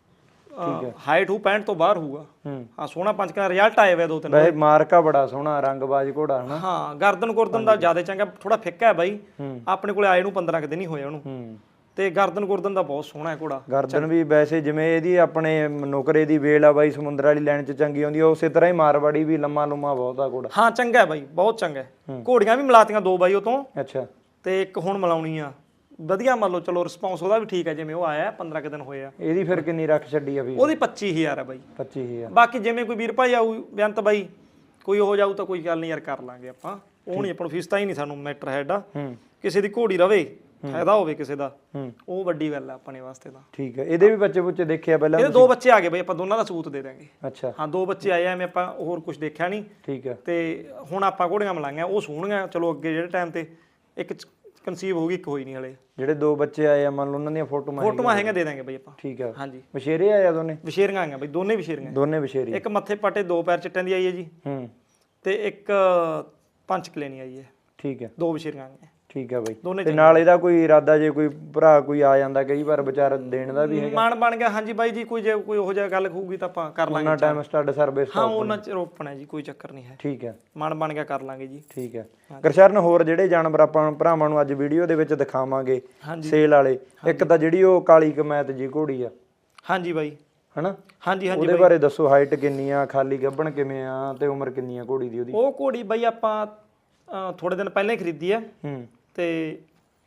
[SPEAKER 3] ਹਾਈਟ ਹੋ ਪੈਂਹਠ ਤੋਂ ਬਾਹਰ ਹੋਊਗਾ।
[SPEAKER 2] ਹੂੰ
[SPEAKER 3] ਹਾਂ ਸੋਹਣਾ ਪੰਜ ਕਾ ਰਿਜ਼ਲਟ ਆਏ ਵੇ ਦੋ ਤਿੰਨ।
[SPEAKER 2] ਵੈਸੇ ਮਾਰਕਾ ਬੜਾ ਸੋਹਣਾ, ਰੰਗਬਾਜ਼ ਘੋੜਾ ਹਨਾ।
[SPEAKER 3] ਹਾਂ ਗਰਦਨ ਗੁਰਦਨ ਦਾ ਜ਼ਿਆਦਾ ਚੰਗਾ, ਥੋੜਾ ਫਿੱਕਾ ਹੈ ਬਾਈ।
[SPEAKER 2] ਹੂੰ
[SPEAKER 3] ਆਪਣੇ ਕੋਲੇ ਆਏ ਨੂੰ ਪੰਦਰਾਂ ਕੁ ਦਿਨ ਹੀ ਹੋਏ ਉਹਨੂੰ।
[SPEAKER 2] ਹੂੰ
[SPEAKER 3] ਤੇ ਗਰਦਨ ਗੁਰਦਨ ਦਾ ਬਹੁਤ ਸੋਹਣਾ ਹੈ ਘੋੜਾ।
[SPEAKER 2] ਗਰਦਨ ਵੀ ਵੈਸੇ ਜਿਵੇਂ ਇਹਦੀ ਆਪਣੇ ਨੁਕਰੇ ਦੀ ਵੇਲ ਆ ਬਾਈ ਸਮੁੰਦਰ ਵਾਲੀ ਲਾਈਨ 'ਚ ਚੰਗੀ ਆਉਂਦੀ ਆ, ਉਸੇ ਤਰ੍ਹਾਂ ਹੀ ਮਾਰਵਾੜੀ ਵੀ ਲੰਮਾ ਲੁੰਮਾ ਬਹੁਤ ਆ ਘੋੜਾ।
[SPEAKER 3] ਹਾਂ ਚੰਗਾ ਹੈ ਬਾਈ, ਬਹੁਤ ਚੰਗਾ ਹੈ। ਘੋੜੀਆਂ ਵੀ ਮਿਲਾਤੀਆਂ ਦੋ ਬਾਈ ਉਹ ਤੋਂ,
[SPEAKER 2] ਅੱਛਾ।
[SPEAKER 3] ਤੇ ਇੱਕ ਹੁਣ ਮਿਲਾਉਣੀ ਆ। ਵਧੀਆ ਮੰਨ ਲਓ, ਚਲੋ ਰਿਸਪੌਂਸ ਉਹਦਾ ਵੀ ਠੀਕ ਹੈ, ਜਿਵੇਂ ਉਹ ਆਇਆ ਪੰਦਰਾਂ ਕੁ ਦਿਨ ਹੋਏ ਆ।
[SPEAKER 2] ਇਹਦੀ ਫਿਰ ਕਿੰਨੀ ਰੱਖ ਛੱਡੀ ਆ ਵੀ?
[SPEAKER 3] ਉਹਦੀ ਪੱਚੀ ਹਜ਼ਾਰ ਹੈ ਬਾਈ।
[SPEAKER 2] ਪੱਚੀ ਹਜ਼ਾਰ।
[SPEAKER 3] ਬਾਕੀ ਜਿਵੇਂ ਕੋਈ ਵੀਰ ਭਾਈ ਆਊ ਬੇਅੰਤ ਬਾਈ, ਕੋਈ ਹੋ ਜਾਊ ਤਾਂ ਕੋਈ ਗੱਲ ਨਹੀਂ ਯਾਰ, ਕਰ ਲਾਂਗੇ ਆਪਾਂ। ਉਹ ਨਹੀਂ ਆਪਾਂ ਨੂੰ ਫੀਸ ਤਾਂ ਹੀ ਨਹੀਂ ਸਾਨੂੰ ਮੈਟਰ ਹੈਡਾ।
[SPEAKER 2] ਹੂੰ
[SPEAKER 3] ਕਿਸੇ ਦੀ ਘੋੜੀ ਰਵੇ, ਫਾਇਦਾ ਹੋਵੇ ਕਿਸੇ ਦਾ,
[SPEAKER 2] ਹੂੰ
[SPEAKER 3] ਉਹ ਵੱਡੀ ਗੱਲ ਹੈ ਆਪਣੇ ਵਾਸਤੇ ਤਾਂ।
[SPEAKER 2] ਠੀਕ ਹੈ। ਇਹਦੇ ਵੀ ਬੱਚੇ ਬੁੱਚੇ ਦੇਖਿਆ ਪਹਿਲਾਂ?
[SPEAKER 3] ਇਹਦੇ ਦੋ ਬੱਚੇ ਆ ਗਏ ਬਾਈ, ਆਪਾਂ ਦੋਨਾਂ ਦਾ ਸਬੂਤ ਦੇ ਦਾਂਗੇ।
[SPEAKER 2] ਅੱਛਾ।
[SPEAKER 3] ਹਾਂ ਦੋ ਬੱਚੇ ਆਏ, ਐਵੇਂ ਆਪਾਂ ਹੋਰ ਕੁਝ ਦੇਖਿਆ ਨਹੀਂ।
[SPEAKER 2] ਠੀਕ ਹੈ।
[SPEAKER 3] ਤੇ ਹੁਣ ਆਪਾਂ ਘੋੜੀਆਂ ਮਿਲਾਈਆਂ, ਉਹ ਸੋਹਣੀਆਂ। ਚਲੋ ਅੱਗੇ ਜਿਹੜੇ ਟਾਈਮ ਤੇ ਇੱਕ ਕਨਸੀਵ ਹੋ ਗਈ, ਇੱਕ ਹੋਈ ਨਹੀਂ ਹਲੇ।
[SPEAKER 2] ਜਿਹੜੇ ਦੋ ਬੱਚੇ ਆਏ ਆ ਮੰਨ ਲਓ ਉਹਨਾਂ ਦੀਆਂ ਫੋਟੋਆਂ
[SPEAKER 3] ਫੋਟੋਆਂ ਹੈਗੀਆਂ, ਦੇ ਦਾਂਗੇ ਬਾਈ ਆਪਾਂ।
[SPEAKER 2] ਠੀਕ ਆ
[SPEAKER 3] ਹਾਂਜੀ
[SPEAKER 2] ਵਿਸ਼ੇਰੇ ਆਏ ਆ ਦੋਨੇ?
[SPEAKER 3] ਵਿਸ਼ੇਰੀਆਂ ਆਈਆਂ ਬਾਈ, ਦੋਨੇ ਵਿਸ਼ੇਰੀਆਂ।
[SPEAKER 2] ਦੋਨੇ ਵਿਸ਼ੇਰੀ।
[SPEAKER 3] ਇੱਕ ਮੱਥੇ ਪਟੇ ਦੋ ਪੈਰ ਚਿੱਟਿਆਂ ਦੀ ਆਈ ਹੈ ਜੀ,
[SPEAKER 2] ਹੂੰ,
[SPEAKER 3] ਤੇ ਇੱਕ ਪੰਚ ਕਲੇਨੀ ਆਈ ਹੈ।
[SPEAKER 2] ਠੀਕ ਹੈ,
[SPEAKER 3] ਦੋ ਵਿਸ਼ੇਰੀਆਂ ਆਈਆਂ।
[SPEAKER 2] ਠੀਕ ਆ ਬਾਈ।
[SPEAKER 3] ਦੋਨੇ
[SPEAKER 2] ਤੇ ਨਾਲ ਇਹਦਾ ਕੋਈ ਇਰਾਦਾ ਜੇ ਕੋਈ ਭਰਾ ਕੋਈ ਆ ਜਾਂਦਾ ਕਈ ਵਾਰ ਵਿਚਾਰ ਦੇਣ ਦਾ ਵੀ ਹੈਗਾ?
[SPEAKER 3] ਮਾਨ ਬਣ ਗਿਆ ਹਾਂਜੀ ਬਾਈ ਜੀ, ਕੋਈ ਜੇ ਕੋਈ ਉਹੋ ਜਿਹਾ ਗੱਲ ਹੋਊਗੀ ਤਾਂ ਆਪਾਂ ਕਰ ਲਾਂਗੇ।
[SPEAKER 2] ਉਹਨਾਂ ਟਾਈਮ ਸਟੱਡ ਸਰਵਿਸ
[SPEAKER 3] ਹਾਂ ਉਹਨਾਂ ਚ ਰੋਪਣਾ ਜੀ, ਕੋਈ ਚੱਕਰ ਨਹੀਂ ਹੈ।
[SPEAKER 2] ਠੀਕ ਹੈ,
[SPEAKER 3] ਮਨ ਬਣ ਗਿਆ ਕਰ ਲਾਂਗੇ ਜੀ।
[SPEAKER 2] ਠੀਕ ਹੈ। ਗੁਰਸ਼ਰਨ ਹੋਰ ਜਿਹੜੇ ਜਾਨਵਰ ਆਪਾਂ ਭਰਾਵਾਂ ਨੂੰ ਅੱਜ ਵੀਡੀਓ ਦੇ ਵਿੱਚ ਦਿਖਾਵਾਂਗੇ ਸੇਲ ਵਾਲੇ, ਇੱਕ ਤਾਂ ਜਿਹੜੀ ਉਹ ਕਾਲੀ ਕਮੈਤ ਜੀ ਘੋੜੀ ਆ।
[SPEAKER 3] ਹਾਂਜੀ ਬਾਈ,
[SPEAKER 2] ਹਨਾ?
[SPEAKER 3] ਹਾਂਜੀ ਹਾਂਜੀ
[SPEAKER 2] ਉਹਦੇ ਬਾਰੇ ਦੱਸੋ, ਹਾਈਟ ਕਿੰਨੀ ਆ, ਖਾਲੀ ਗੱਭਣ ਕਿਵੇਂ ਆ, ਤੇ ਉਮਰ ਕਿੰਨੀ ਆ ਘੋੜੀ ਦੀ ਉਹਦੀ?
[SPEAKER 3] ਉਹ ਘੋੜੀ ਬਾਈ ਆਪਾਂ ਥੋੜੇ ਦਿਨ ਪਹਿਲਾਂ ਹੀ ਖਰੀਦੀ ਆ,
[SPEAKER 2] ਹੂੰ,
[SPEAKER 3] ਤੇ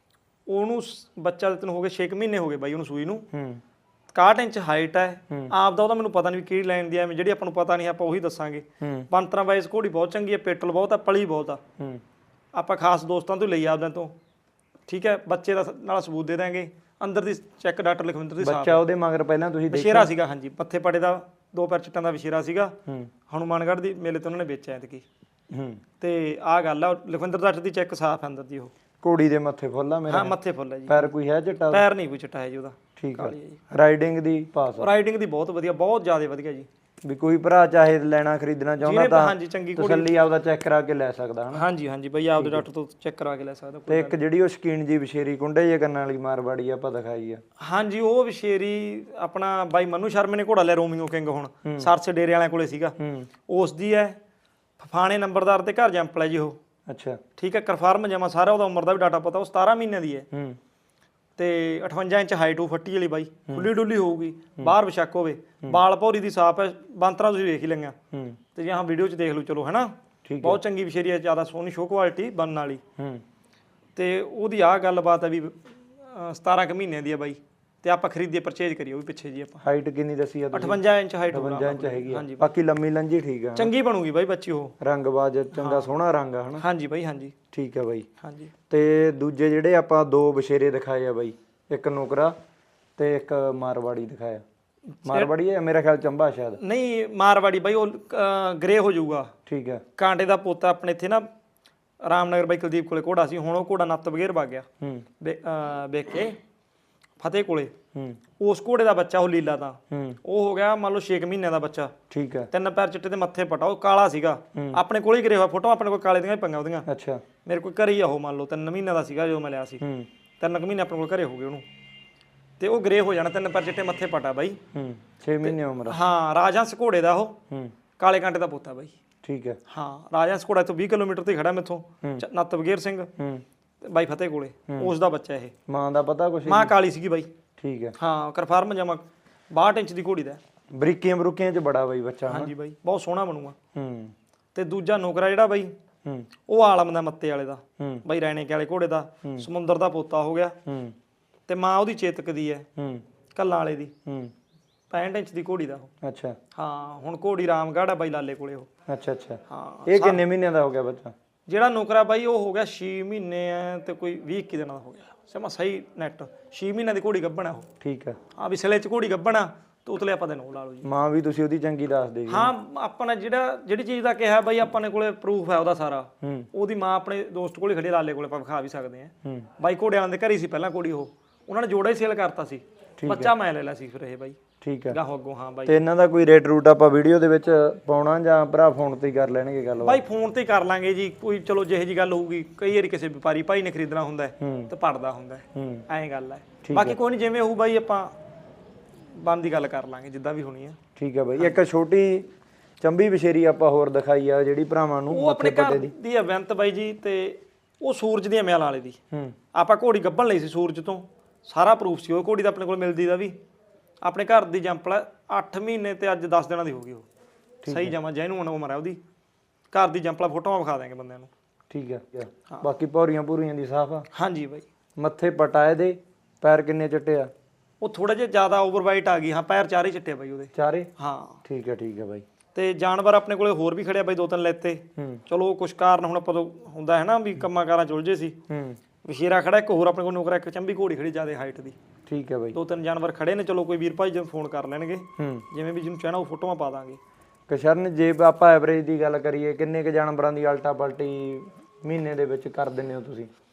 [SPEAKER 3] ਉਹਨੂੰ ਬੱਚਾ ਦਿੱਤੇ ਨੂੰ ਹੋ ਗਏ ਛੇ ਮਹੀਨੇ ਹੋ ਗਏ ਬਾਈ ਉਹਨੂੰ ਸੂਈ ਨੂੰ।
[SPEAKER 2] ਹੂੰ,
[SPEAKER 3] ਇਕਾਹਠ ਇੰਚ ਹਾਈਟ ਹੈ। ਆਪ ਦਾ ਉਹਦਾ ਮੈਨੂੰ ਪਤਾ ਨਹੀਂ ਕਿਹੜੀ ਲਾਈਨ ਦੀ ਹੈ, ਜਿਹੜੀ ਆਪਾਂ ਨੂੰ ਪਤਾ ਨਹੀਂ ਆਪਾਂ ਉਹੀ ਦੱਸਾਂਗੇ।
[SPEAKER 2] ਹੂੰ,
[SPEAKER 3] ਪੰਤਰਾਂ ਵਾਈਜ਼ ਘੋੜੀ ਬਹੁਤ ਚੰਗੀ ਹੈ, ਪੇਟਲ ਬਹੁਤ ਆ, ਪਲੀ ਬਹੁਤ ਆ।
[SPEAKER 2] ਹੂੰ,
[SPEAKER 3] ਆਪਾਂ ਖਾਸ ਦੋਸਤਾਂ ਤੋਂ ਲਈ ਆਪਦਿਆਂ ਤੋਂ, ਠੀਕ ਹੈ। ਬੱਚੇ ਦਾ ਨਾਲ ਸਬੂਤ ਦੇ ਦਾਂਗੇ, ਅੰਦਰ ਦੀ ਚੈੱਕ ਡਾਕਟਰ ਲਖਵਿੰਦਰ ਦੀ ਸਾਫ।
[SPEAKER 2] ਬੱਚਾ ਉਹਦੇ ਮਗਰ ਪਹਿਲਾਂ ਤੁਸੀਂ ਦੇਖਿਆ?
[SPEAKER 3] ਵਿਸ਼ੇਰਾ ਸੀਗਾ ਹਾਂਜੀ, ਮੱਥੇ ਪੜੇ ਦਾ ਦੋ ਪੈਰ ਚਿੱਟਾਂ ਦਾ ਵਿਸ਼ੇਰਾ ਸੀਗਾ।
[SPEAKER 2] ਹੂੰ,
[SPEAKER 3] ਹਨੂਮਾਨਗੜ੍ਹ ਦੀ ਮੇਲੇ ਤੋਂ ਉਹਨਾਂ ਨੇ ਵੇਚਿਆ ਐਤਕੀ।
[SPEAKER 2] ਹੂੰ,
[SPEAKER 3] ਤੇ ਆਹ ਗੱਲ ਆ, ਲਖਵਿੰਦਰ ਡਾਕਟਰ ਦੀ ਚੈੱਕ ਸਾਫ ਅੰਦਰ ਦੀ। ਉਹ
[SPEAKER 2] ਘੋੜੀ ਦੇ ਮੱਥੇ ਫੁੱਲ ਆ ਮੇਰੇ?
[SPEAKER 3] ਹਾਂ ਮੱਥੇ ਫੁੱਲ ਹੈ ਜੀ।
[SPEAKER 2] ਪੈਰ ਕੋਈ ਹੈ ਚਿੱਟਾ?
[SPEAKER 3] ਪੈਰ ਨਹੀਂ ਕੋਈ ਚਿੱਟਾ ਹੈ ਜੀ ਉਹਦਾ।
[SPEAKER 2] ਠੀਕ ਹੈ। ਰਾਈਡਿੰਗ ਦੀ ਪਾਸ?
[SPEAKER 3] ਰਾਈਡਿੰਗ ਦੀ ਬਹੁਤ ਵਧੀਆ, ਬਹੁਤ ਜ਼ਿਆਦਾ ਵਧੀਆ ਜੀ।
[SPEAKER 2] ਵੀ ਕੋਈ ਭਰਾ ਚਾਹੇ ਲੈਣਾ ਖਰੀਦਣਾ ਚਾਹੁੰਦਾ ਤਾਂ
[SPEAKER 3] ਹਾਂਜੀ ਚੰਗੀ ਘੋੜੀ
[SPEAKER 2] ਤਸੱਲੀ ਆਪਦਾ ਚੈੱਕ ਕਰਾ ਕੇ ਲੈ ਸਕਦਾ ਹਨਾ?
[SPEAKER 3] ਹਾਂਜੀ ਹਾਂਜੀ ਬਈ ਆਪਦੇ ਡਾਕਟਰ ਤੋਂ ਚੈੱਕ ਕਰਾ ਕੇ ਲੈ ਸਕਦਾ।
[SPEAKER 2] ਤੇ ਇੱਕ ਜਿਹੜੀ ਉਹ ਸ਼ਕੀਨ ਜੀ ਵਿਸ਼ੇਰੀ ਕੁੰਡੇ ਜੇ ਕੰਨਾਂ ਵਾਲੀ ਮਾਰਵਾੜੀ ਆਪਾਂ ਦਿਖਾਈ ਆ?
[SPEAKER 3] ਹਾਂਜੀ ਉਹ ਵਿਸ਼ੇਰੀ ਆਪਣਾ ਬਾਈ ਮਨੂ ਸ਼ਰਮੇ ਨੇ ਘੋੜਾ ਲਿਆ, ਰੋਮੀਓ ਕਿੰਗ, ਹੁਣ ਸਰਸੇ ਡੇਰੇ ਵਾਲਿਆਂ ਕੋਲੇ ਸੀਗਾ। ਉਸ ਦੀ ਹੈ, ਫਾਣੇ ਨੰਬਰਦਾਰ ਤੇ ਘਰ ਜੰਪਲ ਹੈ ਜੀ ਉਹ।
[SPEAKER 2] ਅੱਛਾ
[SPEAKER 3] ਠੀਕ ਹੈ, ਕਨਫਰਮ ਜਮਾ ਸਾਰਾ ਉਹਦਾ ਉਮਰ ਦਾ ਵੀ ਡਾਟਾ ਪਤਾ। ਉਹ ਸਤਾਰਾਂ ਮਹੀਨਿਆਂ ਦੀ ਹੈ,
[SPEAKER 2] ਹੂੰ,
[SPEAKER 3] ਤੇ ਅਠਵੰਜਾ ਇੰਚ ਹਾਈਟ ਉਹ ਫੱਟੀ ਵਾਲੀ ਬਾਈ, ਖੁੱਲੀ ਡੁੱਲੀ ਹੋਊਗੀ, ਬਾਹਰ ਵਿਸ਼ੱਕ ਹੋਵੇ, ਬਾਲ ਭੌਰੀ ਦੀ ਸਾਫ ਹੈ, ਬਾਂਤਰਾ ਤੁਸੀਂ ਵੇਖ ਹੀ ਲਈਆਂ
[SPEAKER 2] ਹੂੰ,
[SPEAKER 3] ਤੇ ਜਾਂ ਵੀਡੀਓ 'ਚ ਦੇਖ ਲਓ ਚਲੋ ਹੈ ਨਾ। ਬਹੁਤ ਚੰਗੀ ਵਿਸ਼ੇਰੀ ਹੈ, ਜ਼ਿਆਦਾ ਸੋਹਣੀ ਸ਼ੋ ਕੁਆਲਿਟੀ ਬਣਨ ਵਾਲੀ।
[SPEAKER 2] ਹੂੰ,
[SPEAKER 3] ਤੇ ਉਹਦੀ ਆਹ ਗੱਲਬਾਤ ਹੈ ਵੀ ਸਤਾਰਾਂ ਕੁ ਮਹੀਨਿਆਂ ਦੀ ਹੈ ਬਾਈ, ਤੇ ਆਪਾਂ ਖਰੀਦੀਏ ਪਰਚੇਜ ਕਰੀਏ ਉਹ ਵੀ ਪਿੱਛੇ ਜੀ ਆਪਾਂ।
[SPEAKER 2] ਹਾਈਟ ਕਿੰਨੀ ਦੱਸੀ ਆ ਤੁਸੀਂ?
[SPEAKER 3] ਅਠਵੰਜਾ ਇੰਚ ਹਾਈਟ
[SPEAKER 2] ਅਠਵੰਜਾ ਇੰਚ ਹੈਗੀ ਆ। ਬਾਕੀ ਲੰਮੀ ਲੰਜੀ ਠੀਕ ਆ,
[SPEAKER 3] ਚੰਗੀ ਬਣੂਗੀ ਬਾਈ ਬੱਚੀ ਉਹ।
[SPEAKER 2] ਰੰਗਬਾਜ਼ ਚੰਗਾ ਸੋਹਣਾ ਰੰਗ ਆ ਹਨਾ?
[SPEAKER 3] ਹਾਂਜੀ ਬਾਈ ਹਾਂਜੀ
[SPEAKER 2] ਠੀਕ ਆ ਬਾਈ।
[SPEAKER 3] ਹਾਂਜੀ
[SPEAKER 2] ਤੇ ਦੂਜੇ ਜਿਹੜੇ ਆਪਾਂ ਦੋ ਵਿਸ਼ੇਰੇ ਦਿਖਾਏ ਆ ਬਾਈ, ਇੱਕ ਨੁਕਰਾ ਤੇ ਇੱਕ ਮਾਰਵਾੜੀ ਦਿਖਾਇਆ। ਮਾਰਵਾੜੀ ਹੈ ਮੇਰਾ ਖਿਆਲ ਚੰਬਾ ਸ਼ਾਇਦ?
[SPEAKER 3] ਨਹੀਂ ਮਾਰਵਾੜੀ ਬਾਈ ਉਹ ਗ੍ਰੇ ਹੋ ਜਾਊਗਾ।
[SPEAKER 2] ਠੀਕ ਹੈ।
[SPEAKER 3] ਕਾਂਟੇ ਦਾ ਪੋਤਾ ਆਪਣੇ ਇੱਥੇ ਨਾ ਰਾਮਨਗਰ ਬਾਈ ਕੁਲਦੀਪ ਕੋਲੇ ਘੋੜਾ ਸੀ, ਹੁਣ ਉਹ ਘੋੜਾ ਨੱਤ ਬਗੇਰ ਵਗ ਗਿਆ
[SPEAKER 2] ਹੂੰ,
[SPEAKER 3] ਵੇਖ ਕੇ ਫਤਿਹ ਕੋਲੇ।
[SPEAKER 2] ਹੂੰ,
[SPEAKER 3] ਉਸ ਘੋੜੇ ਦਾ ਬੱਚਾ ਉਹ ਲੀਲਾ ਦਾ,
[SPEAKER 2] ਹੂੰ,
[SPEAKER 3] ਉਹ ਹੋ ਗਿਆ ਮੰਨ ਲਓ ਛੇ ਮਹੀਨਿਆਂ ਦਾ ਬੱਚਾ।
[SPEAKER 2] ਠੀਕ ਹੈ।
[SPEAKER 3] ਤਿੰਨ ਪੈਰ ਚਿੱਟੇ ਤੇ ਮੱਥੇ ਪਟਾ, ਉਹ ਕਾਲਾ ਸੀਗਾ। ਆਪਣੇ ਕੋਲ ਹੀ ਗਰੇ ਹੋਇਆ, ਫੋਟੋ ਆਪਣੇ ਕੋਲ ਕਾਲੇ ਦੀਆਂ ਹੀ ਪੰਗਾ ਉਹਦੀਆਂ।
[SPEAKER 2] ਅੱਛਾ
[SPEAKER 3] ਮੇਰੇ ਕੋਲ ਘਰੇ ਹੀ ਆ ਉਹ, ਮੰਨ ਲਓ ਤਿੰਨ ਮਹੀਨਿਆਂ ਦਾ ਸੀਗਾ ਜਦੋਂ ਮੈਂ ਲਿਆ ਸੀ।
[SPEAKER 2] ਹੂੰ,
[SPEAKER 3] ਤਿੰਨ ਕੁ ਮਹੀਨੇ ਆਪਣੇ ਕੋਲ ਘਰੇ ਹੋ ਗਏ ਉਹਨੂੰ, ਤੇ ਉਹ ਗਰੇ ਹੋ ਜਾਣਾ, ਤਿੰਨ ਪੈਰ ਚਿੱਟੇ ਮੱਥੇ ਪਟਾ ਬਾਈ।
[SPEAKER 2] ਹੂੰ, ਛੇ ਮਹੀਨੇ ਉਮਰ?
[SPEAKER 3] ਹਾਂ ਰਾਜਹੰਸ ਘੋੜੇ ਦਾ ਉਹ,
[SPEAKER 2] ਹੂੰ,
[SPEAKER 3] ਕਾਲੇ ਕਾਂਟੇ ਦਾ ਪੋਤਾ ਬਾਈ।
[SPEAKER 2] ਠੀਕ ਹੈ।
[SPEAKER 3] ਹਾਂ ਰਾਜਹੰਸ ਘੋੜਾ ਤੋਂ ਵੀਹ ਕਿਲੋਮੀਟਰ ਤੇ ਖੜਾ ਮੈਥੋਂ, ਨੱਤ ਬਗੇਰ ਸਿੰਘ
[SPEAKER 2] ਹੂੰ,
[SPEAKER 3] ਬਾਈ ਫਤਿਹ ਕੋਲੇ, ਉਸ ਦਾ ਬੱਚਾ ਇਹ।
[SPEAKER 2] ਮਾਂ ਦਾ ਪਤਾ ਕੁਛ?
[SPEAKER 3] ਮਾਂ ਕਾਲੀ ਸੀਗੀ ਬਾਈ।
[SPEAKER 2] ਠੀਕ ਹੈ।
[SPEAKER 3] ਹਾਂ ਕਨਫਰਮ ਜਮਾ ਬਾਹਠ ਇੰਚ ਦੀ ਘੋੜੀ ਦਾ।
[SPEAKER 2] ਬਰੀਕੀਆਂ ਬਰੂਕੀਆਂ ਚ ਬੜਾ ਬਾਈ ਬੱਚਾ?
[SPEAKER 3] ਹਾਂਜੀ ਬਾਈ ਬਹੁਤ ਸੋਹਣਾ ਬਣੂਗਾ।
[SPEAKER 2] ਹੂੰ,
[SPEAKER 3] ਤੇ ਦੂਜਾ ਨੌਕਰਾ ਜਿਹੜਾ ਬਾਈ,
[SPEAKER 2] ਹੂੰ,
[SPEAKER 3] ਉਹ ਆਲਮ ਦਾ ਮੱਤੇ ਵਾਲੇ ਦਾ
[SPEAKER 2] ਹੂੰ,
[SPEAKER 3] ਬਾਈ, ਰੈਣੇ ਕੇ ਵਾਲੇ ਘੋੜੇ ਦਾ, ਸਮੁੰਦਰ ਦਾ ਪੋਤਾ ਹੋ ਗਿਆ।
[SPEAKER 2] ਹੂੰ,
[SPEAKER 3] ਤੇ ਮਾਂ ਉਹਦੀ ਚੇਤਕ ਦੀ ਹੈ,
[SPEAKER 2] ਹੂੰ,
[SPEAKER 3] ਕੱਲਾਂ ਵਾਲੇ ਦੀ,
[SPEAKER 2] ਹੂੰ,
[SPEAKER 3] ਪੈਂਹਠ ਇੰਚ ਦੀ ਘੋੜੀ ਦਾ ਉਹ।
[SPEAKER 2] ਅੱਛਾ
[SPEAKER 3] ਹਾਂ ਹੁਣ ਘੋੜੀ ਰਾਮਗੜ੍ਹ ਆ ਬਾਈ ਲਾਲੇ ਕੋਲੇ ਉਹ।
[SPEAKER 2] ਅੱਛਾ ਅੱਛਾ।
[SPEAKER 3] ਹਾਂ
[SPEAKER 2] ਇਹ ਕਿੰਨੇ ਮਹੀਨਿਆਂ ਦਾ ਹੋ ਗਿਆ ਬੱਚਾ?
[SPEAKER 3] ਜਿਹੜਾ ਨੌਕਰਾ ਬਾਈ ਉਹ ਹੋ ਗਿਆ ਛੇ ਮਹੀਨੇ ਆ ਤੇ ਕੋਈ ਵੀਹ ਇੱਕੀ ਦਿਨਾਂ ਦਾ ਹੋ ਗਿਆ, ਸਮਾਂ ਸਹੀ ਨੈਟ। ਛੇ ਮਹੀਨਿਆਂ ਦੀ ਘੋੜੀ ਗੱਭਣ ਆ ਉਹ।
[SPEAKER 2] ਠੀਕ ਹੈ।
[SPEAKER 3] ਹਾਂ ਵੀ ਸਿਲੇ 'ਚ ਘੋੜੀ ਗੱਭਣ ਆ, ਤੇ ਉਤਲੇ ਆਪਾਂ ਦੇ ਨੋ ਲਾ ਲਓ ਜੀ।
[SPEAKER 2] ਮਾਂ ਵੀ ਤੁਸੀਂ ਉਹਦੀ ਚੰਗੀ ਦੱਸ ਦੇ?
[SPEAKER 3] ਹਾਂ ਆਪਾਂ ਨੇ ਜਿਹੜਾ ਜਿਹੜੀ ਚੀਜ਼ ਦਾ ਕਿਹਾ ਬਾਈ, ਆਪਾਂ ਨੇ ਕੋਲੇ ਪ੍ਰੂਫ ਹੈ ਉਹਦਾ ਸਾਰਾ।
[SPEAKER 2] ਹੂੰ,
[SPEAKER 3] ਉਹਦੀ ਮਾਂ ਆਪਣੇ ਦੋਸਤ ਕੋਲੇ ਖੜੀ, ਲਾਲੇ ਕੋਲੇ ਆਪਾਂ ਵਿਖਾ ਵੀ ਸਕਦੇ ਆ।
[SPEAKER 2] ਹੂੰ,
[SPEAKER 3] ਬਾਈ ਘੋੜਿਆਂ ਦੇ ਘਰ ਹੀ ਸੀ ਪਹਿਲਾਂ ਘੋੜੀ ਉਹ, ਉਹਨਾਂ ਨੇ ਜੋੜਾ ਹੀ ਸੇਲ ਕਰਤਾ ਸੀ, ਬੱਚਾ ਮੈਂ ਲੈ ਲਿਆ ਸੀ ਫਿਰ ਇਹ ਬਾਈ।
[SPEAKER 2] ਠੀਕ ਹੈ।
[SPEAKER 3] ਗਾਹੋਂ ਅੱਗੋਂ। ਹਾਂ ਬਾਈ
[SPEAKER 2] ਤੇ ਇਹਨਾਂ ਦਾ ਕੋਈ ਰੇਟ ਰੂਟ ਆਪਾਂ ਵੀਡੀਓ ਦੇ ਵਿੱਚ ਪਾਉਣਾ ਜਾਂ ਭਰਾ ਫੋਨ ਤੇ ਹੀ ਕਰ ਲੈਣਗੇ ਗੱਲ?
[SPEAKER 3] ਬਾਈ ਫੋਨ ਤੇ ਹੀ ਕਰ ਲਾਂਗੇ ਜੀ, ਕੋਈ ਚਲੋ ਜਿਹੇ ਜੀ ਗੱਲ ਹੋਊਗੀ। ਕਈ ਵਾਰੀ ਕਿਸੇ ਵਪਾਰੀ ਭਾਈ ਨੇ ਖਰੀਦਣਾ ਹੁੰਦਾ ਤੇ ਪੜਦਾ ਹੁੰਦਾ, ਐਂ ਗੱਲ ਹੈ। ਬਾਕੀ ਕੋਈ ਨਹੀਂ ਜਿਵੇਂ ਹੋਊ ਬਾਈ, ਆਪਾਂ ਬੰਦ ਦੀ ਗੱਲ ਕਰ ਲਾਂਗੇ ਜਿੱਦਾਂ ਵੀ ਹੋਣੀ ਹੈ।
[SPEAKER 2] ਠੀਕ ਹੈ ਬਾਈ। ਇੱਕ ਛੋਟੀ ਚੰਬੀ ਵਿਸ਼ੇਰੀ ਆਪਾਂ ਹੋਰ ਦਿਖਾਈ ਆ ਜਿਹੜੀ ਭਰਾਵਾਂ ਨੂੰ,
[SPEAKER 3] ਉਹ ਆਪਣੇ ਘਰ ਦੀ ਇਵੈਂਟ ਬਾਈ ਜੀ, ਤੇ ਉਹ ਸੂਰਜ ਦੀਆਂ ਮਿਆਲਾਂ ਵਾਲੇ ਦੀ।
[SPEAKER 2] ਹੂੰ,
[SPEAKER 3] ਆਪਾਂ ਘੋੜੀ ਗੱਭਣ ਲਈ ਸੀ ਸੂਰਜ ਤੋਂ, ਸਾਰਾ ਪ੍ਰੂਫ ਸੀ ਉਹ ਘੋੜੀ ਦਾ ਆਪਣੇ ਕੋਲ ਮਿਲਦੀ ਦਾ ਵੀ। ਆਪਣੇ ਘਰ ਦੀ ਜੰਪਲ ਅੱਠ ਮਹੀਨੇ ਤੇ ਅੱਜ ਦਸ ਦਿਨਾਂ ਦੀ ਹੋ ਗਈ ਉਹ, ਸਹੀ ਜਮਾ ਜੈਨੂਨ ਉਮਰ ਹੈ ਉਹਦੀ। ਘਰ ਦੀ ਜੰਪਲਾ ਫੋਟੋਆਂ ਵਿਖਾ ਦਾਂਗੇ ਬੰਦਿਆਂ ਨੂੰ।
[SPEAKER 2] ਠੀਕ ਹੈ। ਬਾਕੀ ਪੌਰੀਆਂ ਪੂਰੀਆਂ ਦੀ ਸਾਫ ਆ?
[SPEAKER 3] ਹਾਂਜੀ ਬਾਈ।
[SPEAKER 2] ਮੱਥੇ ਪਟਾਏ ਦੇ, ਪੈਰ ਕਿੰਨੇ ਚਿੱਟੇ ਆ?
[SPEAKER 3] ਉਹ ਥੋੜਾ ਜਿਹਾ ਜ਼ਿਆਦਾ ਓਵਰਵਾਈਟ ਆ ਗਈ। ਹਾਂ ਪੈਰ ਚਾਰੇ ਚਿੱਟੇ ਬਾਈ ਉਹਦੇ।
[SPEAKER 2] ਚਾਰੇ?
[SPEAKER 3] ਹਾਂ
[SPEAKER 2] ਠੀਕ ਹੈ ਠੀਕ ਹੈ ਬਾਈ।
[SPEAKER 3] ਤੇ ਜਾਨਵਰ ਆਪਣੇ ਕੋਲੇ ਹੋਰ ਵੀ ਖੜਿਆ ਬਾਈ, ਦੋ ਤਿੰਨ ਲੈਤੇ। ਚਲੋ ਕੁਛ ਕਾਰਨ ਹੁਣ ਆਪਾਂ ਤੋਂ ਹੁੰਦਾ ਹੈ ਨਾ ਵੀ ਕੰਮਾਂ ਕਾਰਾਂ ਚ ਉਲਝੇ ਸੀ।
[SPEAKER 2] ਹੂੰ,
[SPEAKER 3] ਵਿਸ਼ੇਰਾ ਖੜਾ ਇੱਕ ਹੋਰ ਆਪਣੇ ਕੋਲ ਨੌਕਰਾ, ਇੱਕ ਚੰਬੀ ਘੋੜੀ ਖੜੀ ਜ਼ਿਆਦਾ ਹਾਈਟ ਦੀ।
[SPEAKER 2] ਠੀਕ ਹੈ ਬਾਈ।
[SPEAKER 3] ਦੋ ਤਿੰਨ ਜਾਨਵਰ ਖੜੇ ਨੇ, ਚਲੋ ਕੋਈ ਵੀਰ ਭਾਈ ਜਦੋਂ ਫੋਨ ਕਰ ਲੈਣਗੇ,
[SPEAKER 2] ਹੂੰ,
[SPEAKER 3] ਜਿਵੇਂ ਵੀ ਜਿਹਨੂੰ ਚਾਹਣਾ ਉਹ ਫੋਟੋਆਂ ਪਾ ਦਾਂਗੇ।
[SPEAKER 2] ਗੁਰਸ਼ਰਨ ਜੇ ਆਪਾਂ ਐਵਰੇਜ ਦੀ ਗੱਲ ਕਰੀਏ, ਕਿੰਨੇ ਕੁ ਜਾਨਵਰਾਂ ਦੀ ਅਲਟਾ ਪਲਟੀ ਮਹੀਨੇ ਦੇ ਵਿੱਚ ਕਰ ਦਿੰਦੇ ਹੋ ਤੁਸੀਂ?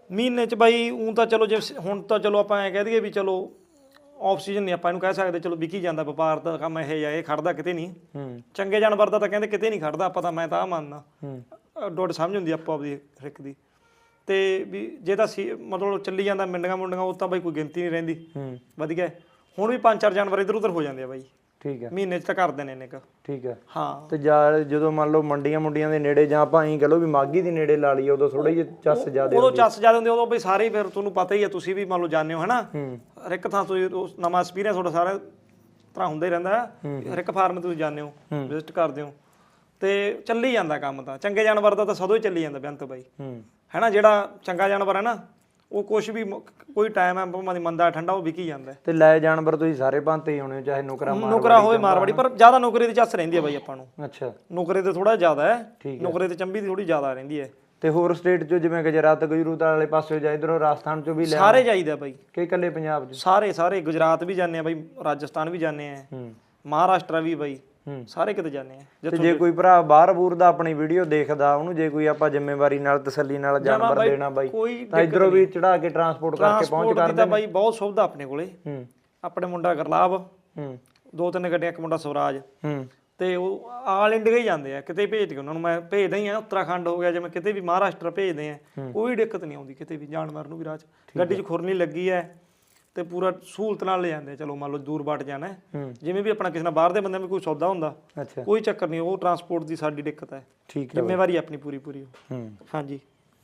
[SPEAKER 3] ਮਹੀਨੇ ਚ ਬਾਈ ਉਂ ਤਾਂ ਚਲੋ ਜੇ ਹੁਣ ਤਾਂ ਚਲੋ ਆਪਾਂ ਐ ਕਹਿ ਦਈਏ ਵੀ ਚਲੋ ਆਫ ਸੀਜ਼ਨ ਨਹੀਂ ਆਪਾਂ ਇਹਨੂੰ ਕਹਿ ਸਕਦੇ, ਚਲੋ ਵਿਕੀ ਜਾਂਦਾ ਵਪਾਰ ਦਾ ਕੰਮ ਇਹ ਜਾਂ ਇਹ ਖੜਦਾ ਕਿਤੇ ਨਹੀਂ। ਚੰਗੇ ਜਾਨਵਰ ਦਾ ਤਾਂ ਕਹਿੰਦੇ ਕਿਤੇ ਨਹੀਂ ਖੜਦਾ, ਆਪਾਂ ਤਾਂ ਮੈਂ ਤਾਂ ਆ ਮੰਨਦਾ ਡੋਡ ਸਮਝ ਹੁੰਦੀ ਆਪੋ ਆਪਦੀ ਹਰ ਇੱਕ ਦੀ। ਤੇ ਵੀ ਜੇ ਤਾਂ ਸੀ ਮਤਲਬ ਚੱਲੀ ਜਾਂਦਾ ਮਿੰਡੀਆਂ ਮੁੰਡੀਆਂ ਉਹ ਤਾਂ ਬਾਈ ਕੋਈ ਗਿਣਤੀ ਨਹੀਂ ਰਹਿੰਦੀ। ਵਧੀਆ ਹੁਣ ਵੀ ਪੰਜ ਚਾਰ ਜਾਨਵਰ ਇੱਧਰ ਉੱਧਰ ਹੋ ਜਾਂਦੇ ਆ ਬਾਈ।
[SPEAKER 2] ਠੀਕ ਹੈ,
[SPEAKER 3] ਮਹੀਨੇ ਚ ਤਾਂ ਕਰਦੇ ਨੇ ਇੰਨੇ ਕੁ।
[SPEAKER 2] ਠੀਕ ਹੈ
[SPEAKER 3] ਹਾਂ।
[SPEAKER 2] ਤੇ ਜਾਂ ਜਦੋਂ ਮੰਨ ਲਓ ਮੰਡੀਆਂ ਮੁੰਡੀਆਂ ਦੇ ਨੇੜੇ ਜਾਂ ਆਪਾਂ ਐਂ ਕਹ ਲਓ ਵੀ ਮਾਘੀ ਦੇ ਨੇੜੇ ਲਾ ਲਈਏ ਉਦੋਂ ਥੋੜਾ ਜਿਹਾ ਚੱਸ ਜ਼ਿਆਦਾ
[SPEAKER 3] ਉਦੋਂ ਚੱਸ ਜ਼ਿਆਦਾ ਹੁੰਦੇ, ਉਦੋਂ ਬਈ ਸਾਰੇ ਫਿਰ ਤੁਹਾਨੂੰ ਪਤਾ ਹੀ ਆ, ਤੁਸੀਂ ਵੀ ਮੰਨ ਲਓ ਜਾਂਦੇ ਹੋ ਹਨਾ ਹਰ ਇੱਕ ਥਾਂ ਤੁਸੀਂ ਨਵਾਂ ਐਕਸਪੀਰੀਅੰਸ ਤੁਹਾਡਾ ਸਾਰਾ ਤਰ੍ਹਾਂ ਹੁੰਦਾ ਹੀ ਰਹਿੰਦਾ। ਹਰ ਇੱਕ ਫਾਰਮ ਤੁਸੀਂ ਜਾਂਦੇ ਹੋ ਵਿਜ਼ਿਟ ਕਰਦੇ ਹੋ ਤੇ ਚੱਲੀ ਜਾਂਦਾ ਕੰਮ ਤਾਂ। ਚੰਗੇ ਜਾਨਵਰ ਦਾ ਤਾਂ ਸਦੋਂ ਹੀ ਚੱਲੀ ਜਾਂਦਾ ਬੇਅੰਤ ਬਾਈ ਹੈਨਾ। ਜਿਹੜਾ ਚੰਗਾ ਜਾਨਵਰ ਹੈ ਨਾ ਉਹ ਕੁਛ ਵੀ ਕੋਈ ਟਾਈਮ ਹੈ ਭਾਵੇਂ ਦੀ ਮੰਦਾ ਠੰਡਾ ਉਹ ਵਿਕੀ ਜਾਂਦਾ।
[SPEAKER 2] ਤੇ ਲੈ ਜਾਨਵਰ ਤੁਸੀਂ ਸਾਰੇ ਭਾਂਤੇ ਹੀ ਹੋਣੇ, ਚਾਹੇ ਨੁਕਰਾ
[SPEAKER 3] ਨੁਕਰਾ ਹੋਵੇ ਮਾਰਵਾੜੀ, ਪਰ ਜ਼ਿਆਦਾ ਨੁਕਰੇ ਦੀ ਚੱਸ ਰਹਿੰਦੀ ਹੈ ਬਾਈ ਆਪਾਂ ਨੂੰ।
[SPEAKER 2] ਅੱਛਾ,
[SPEAKER 3] ਨੁਕਰੇ ਤੇ ਥੋੜਾ ਜ਼ਿਆਦਾ ਹੈ, ਨੁਕਰੇ ਤੇ ਚੰਬੀ ਦੀ ਥੋੜੀ ਜ਼ਿਆਦਾ ਰਹਿੰਦੀ ਹੈ।
[SPEAKER 2] ਤੇ ਹੋਰ ਸਟੇਟ ਚੋਂ ਜਿਵੇਂ ਗੁਜਰਾਤ ਗੁਜਰੂਤ ਵਾਲੇ ਪਾਸੇ ਜਾਂ ਇਧਰੋਂ ਰਾਜਸਥਾਨ ਚੋਂ ਵੀ ਲੈ
[SPEAKER 3] ਸਾਰੇ ਜਾਈਦਾ ਬਾਈ
[SPEAKER 2] ਕਿ ਇਕੱਲੇ ਪੰਜਾਬ ਚ?
[SPEAKER 3] ਸਾਰੇ ਸਾਰੇ ਗੁਜਰਾਤ ਵੀ ਜਾਂਦੇ ਆ ਬਾਈ, ਰਾਜਸਥਾਨ ਵੀ ਜਾਂਦੇ ਆ, ਮਹਾਰਾਸ਼ਟਰ ਵੀ ਬਾਈ, ਸਾਰੇ ਕਿਤੇ ਜਾਂਦੇ ਆ।
[SPEAKER 2] ਤੇ ਜੇ ਕੋਈ ਭਰਾ ਬਾਹਰ ਬੂਰ ਦਾ ਆਪਣੀ ਵੀਡੀਓ ਦੇਖਦਾ ਉਹਨੂੰ ਜੇ ਕੋਈ ਆਪਾਂ ਜ਼ਿੰਮੇਵਾਰੀ ਨਾਲ ਤਸੱਲੀ ਨਾਲ ਜਾਨਵਰ ਦੇਣਾ ਬਾਈ ਤਾਂ ਇਧਰੋਂ ਵੀ ਚੜਾ ਕੇ ਟਰਾਂਸਪੋਰਟ ਕਰਕੇ ਪਹੁੰਚ ਕਰਦੇ ਤਾਂ
[SPEAKER 3] ਬਾਈ ਬਹੁਤ ਸੁਵਿਧਾ ਆਪਣੇ ਕੋਲੇ। ਆਪਣੇ ਮੁੰਡਾ ਗਰਲਾਬ, ਦੋ ਤਿੰਨ ਗੱਡੀਆਂ, ਇੱਕ ਮੁੰਡਾ ਸਵਰਾਜ, ਤੇ ਉਹ ਆਲ ਇੰਡੀਆ ਹੀ ਜਾਂਦੇ ਆ, ਕਿਤੇ ਭੇਜ ਕੇ ਉਹਨਾਂ ਨੂੰ ਮੈਂ ਭੇਜਦਾ ਹੀ ਆ। ਉੱਤਰਾਖੰਡ ਹੋ ਗਿਆ, ਜਿਵੇਂ ਕਿਤੇ ਵੀ ਮਹਾਰਾਸ਼ਟਰ ਭੇਜਦੇ ਆ, ਕੋਈ ਦਿੱਕਤ ਨਹੀਂ ਆਉਂਦੀ ਕਿਤੇ ਵੀ ਜਾਨਵਰ ਨੂੰ ਵੀ। ਰਾਹ 'ਚ ਗੱਡੀ 'ਚ ਖੁਰਨੀ ਲੱਗੀ ਹੈ ਤੇ ਪੂਰਾ ਸਹੂਲਤ ਨਾਲ ਲੈ ਜਾਂਦੇ। ਚਲੋ ਮੰਨ ਲਓ ਦੂਰ ਬਾਟ ਜਾਣਾ, ਜਿਵੇਂ ਵੀ ਆਪਣਾ ਕਿਸੇ ਨਾਲ ਬਾਹਰ ਦੇ ਬੰਦੇ ਵੀ ਕੋਈ ਸੌਦਾ ਹੁੰਦਾ, ਕੋਈ ਚੱਕਰ ਨਹੀਂ, ਉਹ ਟਰਾਂਸਪੋਰਟ ਦੀ ਸਾਡੀ ਦਿੱਕਤ ਹੈ।
[SPEAKER 2] ਠੀਕ ਹੈ,
[SPEAKER 3] ਜ਼ਿੰਮੇਵਾਰੀ ਆਪਣੀ ਪੂਰੀ ਪੂਰੀ। ਹਾਂਜੀ।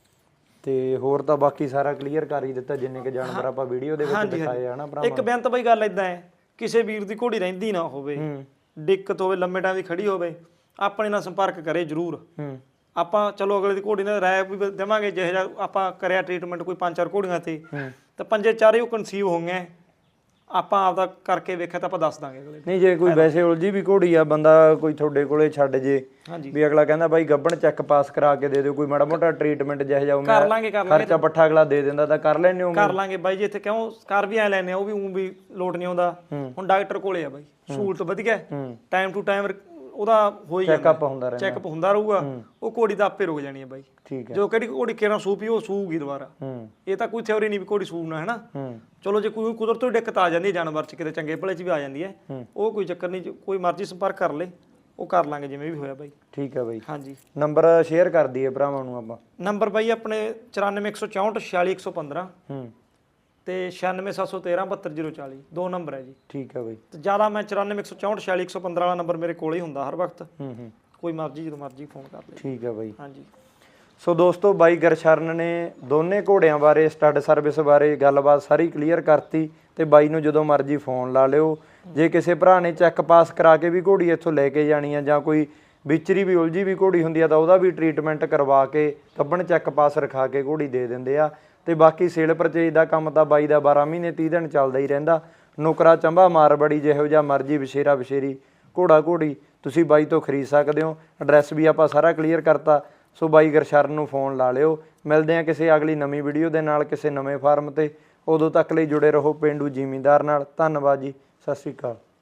[SPEAKER 2] ਤੇ ਹੋਰ ਤਾਂ ਬਾਕੀ ਸਾਰਾ ਕਲੀਅਰ ਕਰ ਹੀ ਦਿੱਤਾ ਜਿੰਨੇ ਕਿ ਜਾਨਵਰ ਆਪਾਂ ਵੀਡੀਓ ਦੇ ਵਿੱਚ ਦਿਖਾਏ ਆ ਨਾ ਭਰਾ।
[SPEAKER 3] ਇੱਕ ਬੇਨਤ ਬਈ ਗੱਲ ਇਦਾਂ ਹੈ, ਕਿਸੇ ਵੀਰ ਦੀ ਘੋੜੀ ਰਹਿੰਦੀ ਨਾ ਹੋਵੇ, ਦਿੱਕਤ ਹੋਵੇ, ਲੰਮੇ ਟਾਈਮ ਦੀ ਖੜੀ ਹੋਵੇ, ਆਪਣੇ ਨਾਲ ਸੰਪਰਕ ਕਰੇ ਜ਼ਰੂਰ। ਆਪਾਂ ਚਲੋ ਅਗਲੇ ਦੀ ਘੋੜੀ ਨਾਲ ਰਾਇ ਵੀ ਦੇਵਾਂਗੇ, ਜਿਹੋ ਜਿਹਾ ਆਪਾਂ ਕਰਿਆ ਟ੍ਰੀਟਮੈਂਟ ਕੋਈ ਪੰਜ ਚਾਰ ਘੋੜੀਆਂ ਤੇ ਤੇ ਪੰਜੇ ਚਾਰੇ ਉਹ ਕਨਸੀਵ ਹੋ ਗਏ, ਆਪਾਂ ਆਪਦਾ ਕਰਕੇ ਵੇਖਿਆ ਤਾਂ ਆਪਾਂ ਦੱਸ ਦਾਂਗੇ ਅਗਲੇ। ਨਹੀਂ
[SPEAKER 2] ਜੇ ਕੋਈ ਵੈਸੇ ਉਲਝੀ ਵੀ ਘੋੜੀ ਆ ਬੰਦਾ ਕੋਈ ਤੁਹਾਡੇ ਕੋਲੇ ਛੱਡ ਜੇ ਵੀ ਅਗਲਾ ਕਹਿੰਦਾ ਬਾਈ ਗੱਬਣ ਚੈੱਕ ਪਾਸ ਕਰਾ ਕੇ ਦੇ ਦਿਓ, ਕੋਈ ਮਾੜਾ ਮੋਟਾ ਟ੍ਰੀਟਮੈਂਟ ਜਿਹੋ ਜਿਹਾ
[SPEAKER 3] ਕਰ ਲਾਂਗੇ, ਕਰ ਲਾਂਗੇ,
[SPEAKER 2] ਖਰਚਾ ਪੱਠਾ ਅਗਲਾ ਦੇ ਦਿੰਦਾ ਤਾਂ ਕਰ ਲੈਣੇ ਹੋ?
[SPEAKER 3] ਕਰ ਲਾਂਗੇ ਬਾਈ ਜੀ, ਇੱਥੇ ਕਿਉਂ ਕਰ ਵੀ ਐ ਲੈਨੇ ਆ, ਉਹ ਵੀ ਉਂ ਵੀ ਲੋਟ ਨਹੀਂ ਆਉਂਦਾ। ਹੁਣ ਡਾਕਟਰ ਕੋਲੇ ਆ ਬਾਈ, ਸਹੂਲਤ ਵਧੀਆ, ਟਾਈਮ ਟੂ ਟਾਈਮ ਉਹਦਾ ਹੋ ਹੀ ਜਾਂਦਾ,
[SPEAKER 2] ਚੈੱਕਅਪ ਹੁੰਦਾ ਰਹਿੰਦਾ,
[SPEAKER 3] ਚੈੱਕਅਪ ਹੁੰਦਾ ਰਹੂਗਾ। ਉਹ ਘੋੜੀ ਤਾਂ ਆਪੇ ਰੁਕ ਜਾਣੀ ਹੈ ਬਾਈ।
[SPEAKER 2] ਠੀਕ ਹੈ,
[SPEAKER 3] ਜੋ ਕਿਹੜੀ ਘੋੜੀ ਕਿਹੜਾ ਸੂ ਪੀ ਉਹ ਸੂਗੀ ਦੁਬਾਰਾ। ਇਹ ਤਾਂ ਕੋਈ ਥਿਉਰੀ ਨਹੀਂ ਵੀ ਘੋੜੀ ਸੂਣਾ ਹੈ ਨਾ। ਚਲੋ ਜੇ ਕੋਈ ਕੁਦਰਤ ਤੋਂ ਦਿੱਕਤ ਆ ਜਾਂਦੀ ਹੈ ਜਾਨਵਰ 'ਚ, ਕਿਤੇ ਚੰਗੇ ਭਲੇ 'ਚ ਵੀ ਆ ਜਾਂਦੀ ਹੈ, ਉਹ ਕੋਈ ਚੱਕਰ ਨਹੀਂ, ਕੋਈ ਮਰਜ਼ੀ ਸੰਪਰਕ ਕਰ ਲੇ, ਉਹ ਕਰ ਲਾਂਗੇ ਜਿਵੇਂ ਵੀ ਹੋਇਆ ਬਾਈ।
[SPEAKER 2] ਠੀਕ ਹੈ ਬਾਈ।
[SPEAKER 3] ਹਾਂਜੀ,
[SPEAKER 2] ਨੰਬਰ ਸ਼ੇਅਰ ਕਰ ਦਈਏ ਭਰਾਵਾਂ ਨੂੰ ਆਪਾਂ।
[SPEAKER 3] ਨੰਬਰ ਬਾਈ ਆਪਣੇ ਚੁਰਾਨਵੇਂ ਇੱਕ ਸੌ ਚੌਂਹਠ ਛਿਆਲੀ ਇੱਕ ਸੌ ਪੰਦਰਾਂ ਤੇ ਛਿਆਨਵੇਂ ਸੱਤ ਸੌ ਤੇਰਾਂ ਬਹੱਤਰ ਜ਼ੀਰੋ ਚਾਲੀ, ਦੋ ਨੰਬਰ ਹੈ ਜੀ।
[SPEAKER 2] ਠੀਕ ਹੈ ਬਾਈ।
[SPEAKER 3] ਤੇ ਜ਼ਿਆਦਾ ਮੈਂ ਚੁਰਾਨਵੇਂ ਇੱਕ ਸੌ ਚੌਂਹਠ ਛਿਆਲੀ ਇੱਕ ਸੌ ਪੰਦਰਾਂ ਵਾਲਾ ਨੰਬਰ ਮੇਰੇ ਕੋਲ ਹੀ ਹੁੰਦਾ ਹਰ ਵਕਤ। ਕੋਈ ਮਰਜ਼ੀ ਜਦੋਂ ਮਰਜ਼ੀ ਫੋਨ ਕਰ ਲੈ।
[SPEAKER 2] ਠੀਕ ਹੈ ਬਾਈ।
[SPEAKER 3] ਹਾਂਜੀ।
[SPEAKER 2] ਸੋ ਦੋਸਤੋ ਬਾਈ ਗੁਰਸ਼ਰਨ ਨੇ ਦੋਨੇ ਘੋੜਿਆਂ ਬਾਰੇ, ਸਟੱਡ ਸਰਵਿਸ ਬਾਰੇ ਗੱਲਬਾਤ ਸਾਰੀ ਕਲੀਅਰ ਕਰਤੀ। ਤੇ ਬਾਈ ਨੂੰ ਜਦੋਂ ਮਰਜ਼ੀ ਫੋਨ ਲਾ ਲਿਓ। ਜੇ ਕਿਸੇ ਭਰਾ ਨੇ ਚੈੱਕ ਪਾਸ ਕਰਾ ਕੇ ਵੀ ਘੋੜੀ ਇੱਥੋਂ ਲੈ ਕੇ ਜਾਣੀ ਆ, ਜਾਂ ਕੋਈ ਵਿਚਰੀ ਵੀ ਉਲਝੀ ਵੀ ਘੋੜੀ ਹੁੰਦੀ ਆ, ਤਾਂ ਉਹਦਾ ਵੀ ਟ੍ਰੀਟਮੈਂਟ ਕਰਵਾ ਕੇ ਗੱਬਣ ਚੈੱਕ ਪਾਸ ਰਖਾ ਕੇ ਘੋੜੀ ਦੇ ਦਿੰਦੇ ਆ। ਤੇ ਬਾਕੀ ਸੇਲ ਪਰਚੇਜ ਦਾ ਕੰਮ ਤਾਂ ਬਾਈ ਦਾ ਬਾਰਾਂ ਮਹੀਨੇ ਤੀਹ ਦਿਨ ਚੱਲਦਾ ਹੀ ਰਹਿੰਦਾ। ਨੁਕਰਾ ਚੰਬਾ ਮਾਰਬੜੀ ਜਿਹੋ ਜਿਹਾ ਮਰਜ਼ੀ ਵਿਸ਼ੇਰਾ ਵਿਸ਼ੇਰੀ ਘੋੜਾ ਘੋੜੀ ਤੁਸੀਂ ਬਾਈ ਤੋਂ ਖਰੀਦ ਸਕਦੇ ਹੋ। ਐਡਰੈਸ ਵੀ ਆਪਾਂ ਸਾਰਾ ਕਲੀਅਰ ਕਰਤਾ। ਸੋ ਬਾਈ ਗੁਰਸ਼ਰਨ ਨੂੰ ਫੋਨ ਲਾ ਲਿਓ। ਮਿਲਦੇ ਆ ਕਿਸੇ ਅਗਲੀ ਨਵੀਂ ਵੀਡੀਓ ਦੇ ਨਾਲ ਕਿਸੇ ਨਵੇਂ ਫਾਰਮ ਤੇ। ਉਦੋਂ ਤੱਕ ਲਈ ਜੁੜੇ ਰਹੋ ਪੇਂਡੂ ਜ਼ਿਮੀਂਦਾਰ ਨਾਲ। ਧੰਨਵਾਦ ਜੀ, ਸਤਿ ਸ਼੍ਰੀ ਅਕਾਲ।